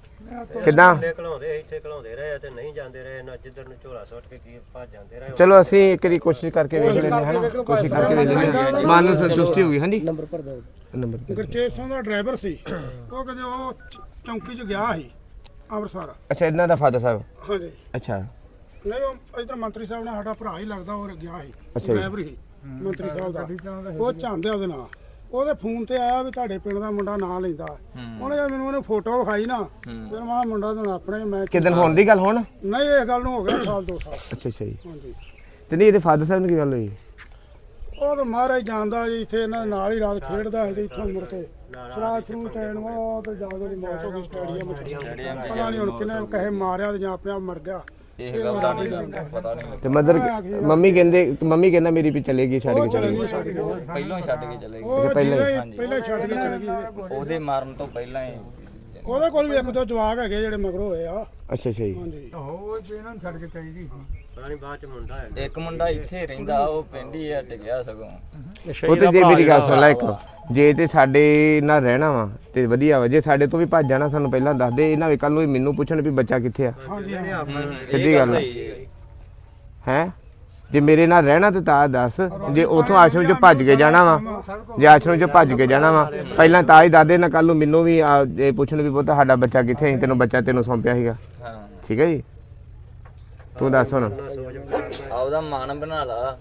ਕਿੱਦਾਂ ਘਲਾਉਂਦੇ ਇੱਥੇ ਘਲਾਉਂਦੇ ਰਹੇ ਤੇ ਨਹੀਂ ਜਾਂਦੇ ਰਹੇ ਨਾ ਜਿੱਧਰ ਨੂੰ ਝੋਲਾ ਸੁੱਟ ਕੇ ਕੀ ਭੱਜ ਜਾਂਦੇ ਰਹੇ ਚਲੋ ਅਸੀਂ ਇੱਕ ਵਾਰੀ ਕੋਸ਼ਿਸ਼ ਕਰਕੇ ਵੇਖ ਲੈਂਦੇ ਹਾਂ ਹਨਾ ਕੋਸ਼ਿਸ਼ ਕਰਕੇ ਵੇਖ ਲੈਂਦੇ ਹਾਂ ਮਨ ਨੂੰ ਸੰਤੁਸ਼ਟੀ ਹੋ ਗਈ ਹਾਂਜੀ ਨੰਬਰ ਭਰ ਦੋ ਨੰਬਰ ਗੁਰਚੇਤ ਸਿੰਘ ਦਾ ਡਰਾਈਵਰ ਸੀ ਉਹ ਕਦੇ ਉਹ ਚ- ਚੌਂਕੀ 'ਚ ਗਿਆ ਸੀ ਅੰਮ੍ਰਿਤਸਰ ਅੱਛਾ ਇਹਨਾਂ ਦਾ ਫਾਦਰ ਸਾਹਿਬ ਹਾਂਜੀ ਅੱਛਾ ਨਹੀਂ ਉਹ ਇਧਰ ਮੰਤਰੀ ਸਾਹਿਬ ਨਾਲ ਸਾਡਾ ਭਰਾ ਹੀ ਲੱਗਦਾ ਉਹ ਗਿਆ ਸੀ ਅੱਛਾ ਜੀ। ਡਰਾਈਵਰ ਹੀ ਮੰਤਰੀ ਸਾਹਿਬ ਦਾ ਉਹ ਚਾਹੁੰਦੇ ਉਹਦੇ ਨਾਲ ਉਹਦੇ ਫੋਨ ਤੇ ਆਇਆ ਵੀ ਤੁਹਾਡੇ ਪਿੰਡ ਦਾ ਮੁੰਡਾ ਨਾਂ ਲੈਂਦਾ ਉਹਨੇ ਜਦ ਮੈਨੂੰ ਉਹਨੇ ਫੋਟੋ ਵਿਖਾਈ ਨਾ ਫਿਰ ਮੈਂ ਮੁੰਡਾ ਤਾਂ ਆਪਣੇ ਮੈਂ ਕਿਦਨ ਹੋਣ ਦੀ ਗੱਲ ਹੁਣ ਨਹੀਂ ਇਹ ਗੱਲ ਨੂੰ ਹੋ ਗਿਆ ਸਾਲ ਦੋ ਸਾਲ ਅੱਛਾ ਅੱਛਾ ਜੀ ਹਾਂਜੀ ਤੇ ਨਹੀਂ ਇਹਦੇ ਫਾਦਰ ਸਾਹਿਬ ਨੂੰ ਕੀ ਗੱਲ ਹੋਈ ਉਹ ਤਾਂ ਮਹਾਰਾਜ ਜਾਣਦਾ ਜੀ ਇੱਥੇ ਇਹਨਾਂ ਦੇ ਨਾਲ ਹੀ ਰਾਤ ਖੇਡਦਾ ਸੀ ਤੇ ਇੱਥੋਂ ਮੁੜ ਕੇ ਸ਼ਰਾਬ ਸ਼ਰੂ ਟੈਨ ਉਹ ਤੇ ਜਾ ਕੇ ਦੀ ਮੌਤ ਹੋ ਗਈ ਸਟੇਡੀਅਮ 'ਚ ਪਤਾ ਨਹੀਂ ਹੁਣ ਕਿਨੇ ਕਹੇ ਮਾਰਿਆ ਤੇ ਜਾਂ ਆਪਣੇ ਆਪ ਮਰ ਗਿਆ ਇਹ ਗੱਲ ਦਾ ਨਹੀਂ ਪਤਾ ਨਹੀਂ ਤੇ ਮਦਰ ਮੰਮੀ ਕਹਿੰਦੇ ਮੰਮੀ ਕਹਿੰਦਾ ਮੇਰੀ ਵੀ ਚਲੇ ਗਈ ਛੱਡ ਕੇ ਚਲੇ ਗਈ ਛੱਡ ਕੇ ਪਹਿਲਾਂ ਹੀ ਛੱਡ ਕੇ ਚਲੇ ਗਏ ਉਹ ਪਹਿਲਾਂ ਹੀ? ਪਹਿਲਾਂ ਹੀ ਪਹਿਲਾਂ ਹੀ ਛੱਡ ਕੇ ਚਲੇ ਗਈ ਇਹਦੇ। ਉਹਦੇ ਮਾਰਨ ਤੋਂ ਪਹਿਲਾਂ ਹੀ ਉਹਦੇ ਕੋਲ ਵੀ ਇੱਕ ਦੋ ਜਵਾਕ ਹੈਗੇ ਜਿਹੜੇ ਮਗਰੋਂ ਹੋਏ ਆ ਅੱਛਾ ਅੱਛਾ ਜੀ ਹਾਂਜੀ ਪਾਣੀ ਬਾਅਦ ਚ ਮੁੰਡਾ ਹੈ ਇੱਕ ਮੁੰਡਾ ਇੱਥੇ ਰਹਿੰਦਾ ਉਹ ਪਿੰਡ ਹੀ ਹਟ ਗਿਆ ਸਗੋਂ ਉਹ ਤੇ ਜੇ ਮੇਰੀ ਗੱਲ ਸੁਣ ਲੈ ਇੱਕ ਜੇ ਤੇ ਸਾਡੇ ਨਾਲ ਰਹਿਣਾ ਵਾ ਤੇ ਵਧੀਆ ਵਾ ਜੇ ਸਾਡੇ ਤੋਂ ਵੀ ਭੱਜ ਜਾਣਾ ਸਾਨੂੰ ਪਹਿਲਾਂ ਦੱਸ ਦੇ ਇਹਨਾਂ ਵੇ ਕੱਲ ਨੂੰ ਮੈਨੂੰ ਪੁੱਛਣ ਵੀ ਬੱਚਾ ਕਿੱਥੇ ਆ ਹਾਂਜੀ ਸਿੱਧੀ ਗੱਲ ਹੈ ਜੇ ਮੇਰੇ ਨਾਲ ਰਹਿਣਾ ਤੇ ਤਾਂ ਦੱਸ ਜੇ ਉਥੋਂ ਆਸ਼ਰਮ ਚੋਂ ਭੱਜ ਕੇ ਜਾਣਾ ਵਾ ਜੇ ਆਸ਼ਰਮ ਚੋਂ ਭੱਜ ਕੇ ਜਾਣਾ ਵਾ ਪਹਿਲਾਂ ਤਾਂ ਹੀ ਦਾਦੇ ਨਾ ਕੱਲ ਨੂੰ ਮੈਨੂੰ ਵੀ ਆ, ਇਹ ਪੁੱਛਣ ਵੀ ਪੁੱਤ ਸਾਡਾ ਬੱਚਾ ਕਿੱਥੇ ਹੈ ਤੈਨੂੰ ਬੱਚਾ ਤੈਨੂੰ ਸੌਂਪਿਆ ਸੀਗਾ ਹਾਂ ਠੀਕ ਹੈ ਜੀ ਤੂੰ ਦੱਸ ਹੁਣ ਆਪਦਾ ਮਨ ਬਣਾ ਲਾ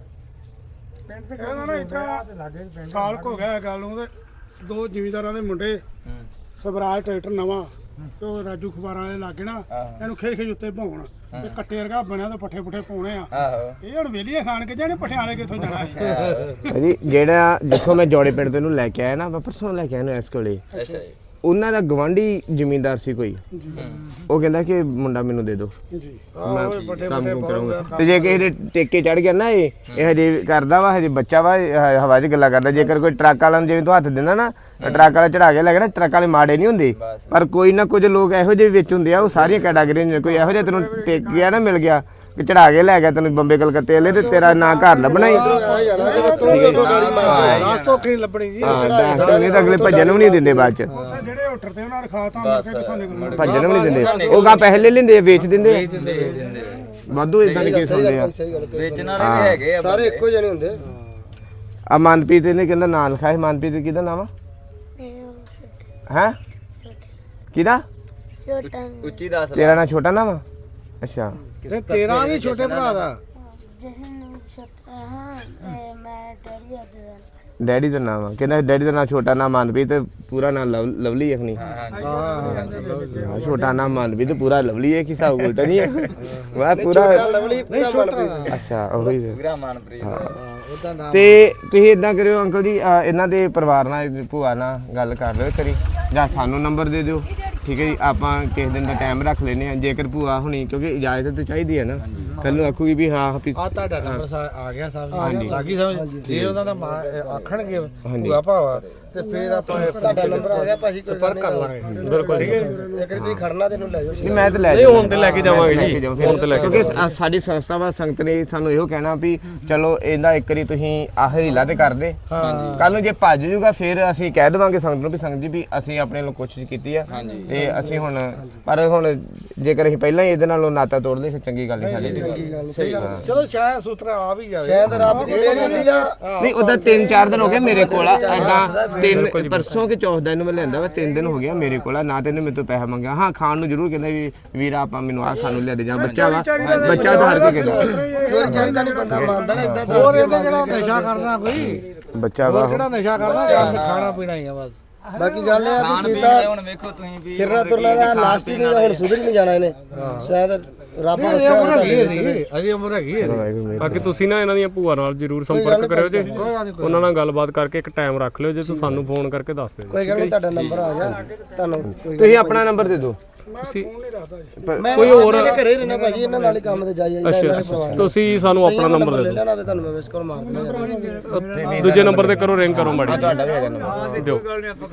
ਇਹਦਾ ਨਾ ਇਤਰਾ ਸਾਲ ਕੁ ਹੋ ਗਿਆ ਇਹ ਗੱਲ ਨੂੰ ਤੇ ਦੋ ਜ਼ਿਮੀਂਦਾਰਾਂ ਦੇ ਮੁੰਡੇ ਸਵਰਾਜ ਟਰੈਕਟਰ ਨਵਾਂ ਤੇ ਉਹ ਰਾਜੂ ਖਬਾਰਾਂ ਵਾਲੇ ਲਾਗੇ ਨਾ ਇਹਨੂੰ ਖੇ ਖੇ ਉੱਤੇ ਪਾਉਣ ਤੇ ਕੱਟੇ ਵਰਗਾ ਬਣਿਆ ਤੇ ਪੱਠੇ ਪੁੱਠੇ ਪਾਉਣੇ ਆ ਆਹੋ ਇਹ ਹੁਣ ਵੇਲੀਆਂ ਖਾਣ ਕੇ ਜਾਣੇ ਪੱਠਿਆਂ ਵਾਲੇ ਕਿੱਥੋਂ ਜਾਣਾ ਹੈ ਜੀ ਜਿਹੜਾ ਜਿੱਥੋਂ ਮੈਂ ਜੋੜੇ ਪਿੰਡ ਤੋਂ ਇਹਨੂੰ ਲੈ ਕੇ ਆਇਆ ਨਾ ਮੈਂ ਪਰਸੋਂ ਲੈ ਕੇ ਆਇਆ ਨੂੰ ਇਸ ਕੋਲੇ ਅੱਛਾ ਜੀ ਉਹਨਾਂ ਦਾ ਗਵਾਂਢੀ ਜ਼ਿਮੀਂਦਾਰ ਸੀ ਕੋਈ ਉਹ ਕਹਿੰਦਾ ਕਿ ਮੁੰਡਾ ਮੈਨੂੰ ਦੇ ਦਿਓ ਜੀ ਮੈਂ ਕੰਮ ਕੁਮ ਕਰਾਂਗਾ ਤੇ ਜੇ ਕਿਸੇ ਦੇ ਟੇਕੇ ਚੜ ਗਿਆ ਨਾ ਇਹ ਇਹ ਹਜੇ ਕਰਦਾ ਵਾ ਹਜੇ ਬੱਚਾ ਵਾ ਇਹ ਹ- ਹਵਾ 'ਚ ਗੱਲਾਂ ਕਰਦਾ ਜੇਕਰ ਕੋਈ ਟਰੱਕ ਵਾਲਾ ਨੂੰ ਜਿਵੇਂ ਤੂੰ ਹੱਥ ਦਿੰਦਾ ਨਾ ਟਰੱਕ ਵਾਲਾ ਚੜਾ ਕੇ ਲੈ ਗਿਆ ਨਾ ਟਰੱਕ ਵਾਲੇ ਮਾੜੇ ਨਹੀਂ ਹੁੰਦੇ ਪਰ ਕੋਈ ਨਾ ਕੁਝ ਲੋਕ ਇਹੋ ਜਿਹੇ ਵਿੱਚ ਹੁੰਦੇ ਆ ਉਹ ਸਾਰੀਆਂ ਕੈਟਾਗਰੀਆਂ ਨੇ ਕੋਈ ਇਹੋ ਜਿਹਾ ਤੈਨੂੰ ਟੇਕ ਗਿਆ ਨਾ ਮਿਲ ਗਿਆ ਕਿ ਚੜਾ ਕੇ ਲੈ ਗਿਆ ਤੈਨੂੰ ਬੰਬੇ ਕਲਕੱਤੇ ਵਾਲੇ ਤੇ ਤੇਰਾ ਨਾਂ ਘਰ ਲੱਭਣਾ ਹੀ ਲਾਸਟ ਧੋਖੀ ਲੱਭਣੀ ਜੀ ਹਾਂ ਦੱਸ ਨਹੀਂ ਤਾਂ ਅਗਲੇ ਭੱਜਣ ਵੀ ਨਹੀਂ ਦਿੰਦੇ ਬਾਅਦ 'ਚ ਉੱਥੇ ਜਿਹੜੇ ਹੋਟਲ ਤੇ ਉਹਨਾਂ ਰਖਾਤਾ ਮੁੜ ਕੇ ਕਿੱਥੋਂ ਨਿਕਲਣਾ ਭੱਜਣ ਵੀ ਨਹੀਂ ਦਿੰਦੇ ਉਹ ਗਾਂ ਪੈਸੇ ਲੈ ਲੈਂਦੇ ਆ, ਵੇਚ ਦਿੰਦੇ ਆ। ਦਿੰਦੇ ਦਿੰਦੇ ਵਾਧੂ ਇਦਾਂ ਦੇ ਕੇਸ ਹੁੰਦੇ ਆ ਸਹੀ ਗੱਲ ਕਹੀ। ਵੇਚਣ ਵਾਲੇ ਵੀ ਹੈਗੇ ਆ ਸਾਰੇ ਇੱਕੋ ਜਿਹੇ ਨਹੀਂ ਹੁੰਦੇ ਆ ਮਨਪ੍ਰੀਤ ਨੇ ਕਹਿੰਦਾ ਨਾਂ ਲਿਖਾਇਆ ਸੀ। ਮਨਪ੍ਰੀਤ ਕਿਹਦਾ ਨਾਮ ਆ ਹੈ ਕਿਹਦਾ ਛੋਟਾ ਉੱਚੀ ਦੱਸ ਤੇਰਾ ਨਾਂ ਛੋਟਾ ਨਾਮ ਆ ਅੱਛਾ ਤੇ ਤੇਰਾ ਵੀ ਛੋਟੇ ਭਰਾ ਦਾ ਜਸ਼ਨ ਛੋਟਾ ਹਾਂ ਤੇ ਮੈਂ ਡੈਡੀ ਅੱਜ ਦਾ ਡੈਡੀ ਦਾ ਨਾਮ ਆ ਕਹਿੰਦਾ ਡੈਡੀ ਦਾ ਨਾਮ ਛੋਟਾ ਨਾਮ ਮਨਪ੍ਰੀਤ ਤੇ ਪੂਰਾ ਨਾਮ ਲਵ- ਲਵਲੀ ਅਖਣੀ ਹਾਂ ਛੋਟਾ ਨਾਮ ਮਨਪ੍ਰੀਤ ਪੂਰਾ ਲਵਲੀ ਹੈ ਕਿ ਹਿਸਾਬ ਉਲਟਾ ਨਹੀਂ ਹੈ ਵਾਹ ਪੂਰਾ ਲਵਲੀ ਪੂਰਾ ਮਨਪ੍ਰੀਤ ਅੱਛਾ ਉਹੀ ਹੈ। ਪੂਰਾ ਮਨਪ੍ਰੀਤ ਉਦਾਂ ਦਾ ਤੇ ਤੁਸੀਂ ਇਦਾਂ ਕਰਿਓ ਅੰਕਲ ਜੀ ਅਹ ਇਹਨਾਂ ਦੇ ਪਰਿਵਾਰ ਨਾਲ ਭੂਆ ਨਾਲ ਗੱਲ ਕਰ ਲਿਓ ਕਰੀ ਜਾਂ ਸਾਨੂੰ ਨੰਬਰ ਦੇ ਦਿਓ ਠੀਕ ਹੈ ਜੀ ਆਪਾਂ ਕਿਸੇ ਦਿਨ ਦਾ ਟਾਈਮ ਰੱਖ ਲੈਨੇ ਆ ਜੇਕਰ ਭੂਆ ਹੁਣੀ ਕਿਉਂਕਿ ਇਜਾਜ਼ਤ ਤਾਂ ਚਾਹੀਦੀ ਹੈ ਨਾ ਕੱਲ ਨੂੰ ਆਖੂਗੀ ਵੀ ਹਾਂ ਵੀ ਆ ਤੁਹਾਡਾ ਨੰਬਰ ਆ ਗਿਆ ਸਾਹਿਬ ਹਾਂਜੀ। ਲੱਗੀ ਸਮਝ ਜੇ ਉਹਨਾਂ ਦਾ ਮਾਂ ਆਖਣਗੇ ਭੂਆ ਭਾਵਾ ਤੇ ਫਿਰ ਆਪਾਂ ਤੁਹਾਡਾ ਨੰਬਰ ਆ ਗਿਆ ਭਾਜੀ ਸੰਪਰਕ ਕਰ ਲਾਂਗੇ ਬਿਲਕੁਲ ਠੀਕ ਹੈ ਇੱਕ ਤੁਸੀਂ ਖੜਨਾ ਤੈਨੂੰ ਲੈ ਜਾਓ ਨਹੀਂ ਮੈਂ ਤਾਂ ਲੈ ਨਹੀਂ, ਹੁਣ ਤੇ ਲੈ ਕੇ ਜਾਵਾਂਗੇ ਲੈ ਜੀ। ਕੇ ਜਾਓ ਫਿਰ। ਹੁਣ ਤੇ ਲੈ ਕੇ ਕਿਉਂਕਿ ਸਾ- ਸਾਡੀ ਸੰਸਥਾ ਵਾ ਸੰਗਤ ਨੇ ਸਾਨੂੰ ਇਹੋ ਕਹਿਣਾ ਵੀ ਚਲੋ ਇਹਦਾ ਇੱਕ ਵਾਰੀ ਤੁਸੀਂ ਆਹ ਹੀਲਾ ਤੇ ਕਰ ਦੇ ਕੱਲ ਨੂੰ ਜੇ ਭੱਜ ਜੂਗਾ ਫਿਰ ਅਸੀਂ ਕਹਿ ਦੇਵਾਂਗੇ ਸੰਗਤ ਨੂੰ ਵੀ ਸੰਗਤ ਜੀ ਵੀ ਅਸੀਂ ਆਪਣੇ ਵੱਲੋਂ ਕੋਸ਼ਿਸ਼ ਕੀਤੀ ਆ ਤੇ ਅਸੀਂ ਹੁਣ ਪਰ ਹੁਣ ਜੇਕਰ ਅਸੀਂ ਪਹਿਲਾਂ ਹੀ ਇਹਦੇ ਨਾਲੋਂ ਨਾਤਾ ਤੋੜਦੇ ਫਿਰ ਚੰਗੀ ਗੱਲ ਨਹੀਂ ਸਾਡੇ ਲਈ ਸਹੀ ਗੱਲ ਚਲੋ ਸ਼ਾਇਦ ਸੂਤਰਾ ਆ ਵੀ ਜਾਵੇ ਸ਼ਾਇਦ ਰੱਬ ਦੀ ਮਿਹਰ ਹੁੰਦੀ ਆ ਨਹੀਂ ਉਹਦਾ ਤਿੰਨ ਚਾਰ ਦਿਨ ਹੋ ਗਏ ਮੇਰੇ ਕੋਲ ਆ ਐਦਾਂ ਤਿੰਨ ਪਰਸੋਂ ਕਿ ਚੌਥ ਦਿਨ ਮੈਂ ਲੈਂਦਾ ਵਾ ਤਿੰਨ ਦਿਨ ਹੋ ਗਿਆ ਮੇਰੇ ਕੋਲ ਆ ਨਾ ਤੈਨੂੰ ਮੇਰੇ ਤੋਂ ਪੈਸਾ ਮੰਗਿਆ ਹਾਂ ਖਾਣ ਨੂੰ ਜ਼ਰੂਰ ਕਹਿੰਦਾ ਵੀ ਵੀਰਾ ਆਪਾਂ ਮੈਨੂੰ ਆਹ ਖਾਣ ਨੂੰ ਲਿਆ ਦੇ ਜਾਂ ਬੱਚਾ ਵਾ ਬੱਚਾ ਤਾਂ ਹਰ ਕੋਈ ਕਹਿੰਦਾ ਚੋਰੀ ਚਾਰੀ ਦਾ ਨਹੀਂ ਬੰਦਾ ਮੰਨਦਾ ਨਾ ਇਦਾਂ ਹੋਰ ਇਹਦਾ ਜਿਹੜਾ ਨਸ਼ਾ ਕਰਨਾ ਕੋਈ ਬੱਚਾ ਵਾ ਜਿਹੜਾ ਨਸ਼ਾ ਕਰਨਾ ਕੰਮ ਖਾਣਾ ਪੀਣਾ ਹੀ ਆ ਬਸ ਬਾਕੀ ਗੱਲ ਇਹ ਆ ਖਾਣ ਵੀ ਪੀਣ ਕੀਤਾ ਦੇ ਹੁਣ ਵੇਖੋ ਤੁਸੀਂ ਵੀ ਫਿਰਨਾ ਤੁਰਨਾ ਦਾ ਲਾਸਟ ਹੀ ਨਹੀਂ ਹੁਣ ਸੁਧਰ ਹੀ ਨਹੀਂ ਜਾਣਾ ਇਹਨੇ ਸ਼ਾਇਦ ਰੱਬ ਨੇ ਉਮਰ ਹੈਗੀ ਅਜੇ ਉਮਰ ਹੈਗੀ ਬਾਕੀ ਤੁਸੀਂ ਨਾ ਇਹਨਾਂ ਦੀਆਂ ਭੂਆ ਨਾਲ ਜਰੂਰ ਸੰਪਰਕ ਕਰਿਓ ਜੇ ਉਹਨਾਂ ਨਾਲ ਗੱਲਬਾਤ ਕਰਕੇ ਇੱਕ ਟਾਈਮ ਰੱਖ ਲਿਓ ਜੇ ਤੁਸੀਂ ਸਾਨੂੰ ਫੋਨ ਕਰਕੇ ਦੱਸ ਦਿਓ ਕੋਈ ਗੱਲ ਨਹੀਂ ਤੁਹਾਡਾ ਨੰਬਰ ਆ ਗਿਆ ਤੁਹਾਨੂੰ ਕੋਈ ਤੁਸੀਂ ਆਪਣਾ ਨੰਬਰ ਦੇ ਦਿਓ ਤੁਸੀਂ ਮੈਂ ਕੋਈ ਹੋਰ ਘਰੇ ਰਹਿਣਾ ਭਾਜੀ ਇਹਨਾਂ ਨਾਲ ਹੀ ਕੰਮ ਤੇ ਜਾਈ ਜਾਂਦਾ ਇਹਨਾਂ ਦੇ ਪਰਿਵਾਰ ਤੁਸੀਂ ਸਾਨੂੰ ਆਪਣਾ ਨੰਬਰ ਦੇ ਲੈ ਲੈਣਾ ਤੇ ਤੁਹਾਨੂੰ ਮੈਂ ਮਿਸ ਕਾਲ ਮਾਰ ਦਿੰਦਾ ਦਿਓ ਦੂਜੇ ਨੰਬਰ ਤੇ ਕਰੋ ਰਿੰਗ ਕਰੋ ਮਾੜੀ ਤੁਹਾਡਾ ਵੀ ਹੈਗਾ ਨੰਬਰ ਦਿਓ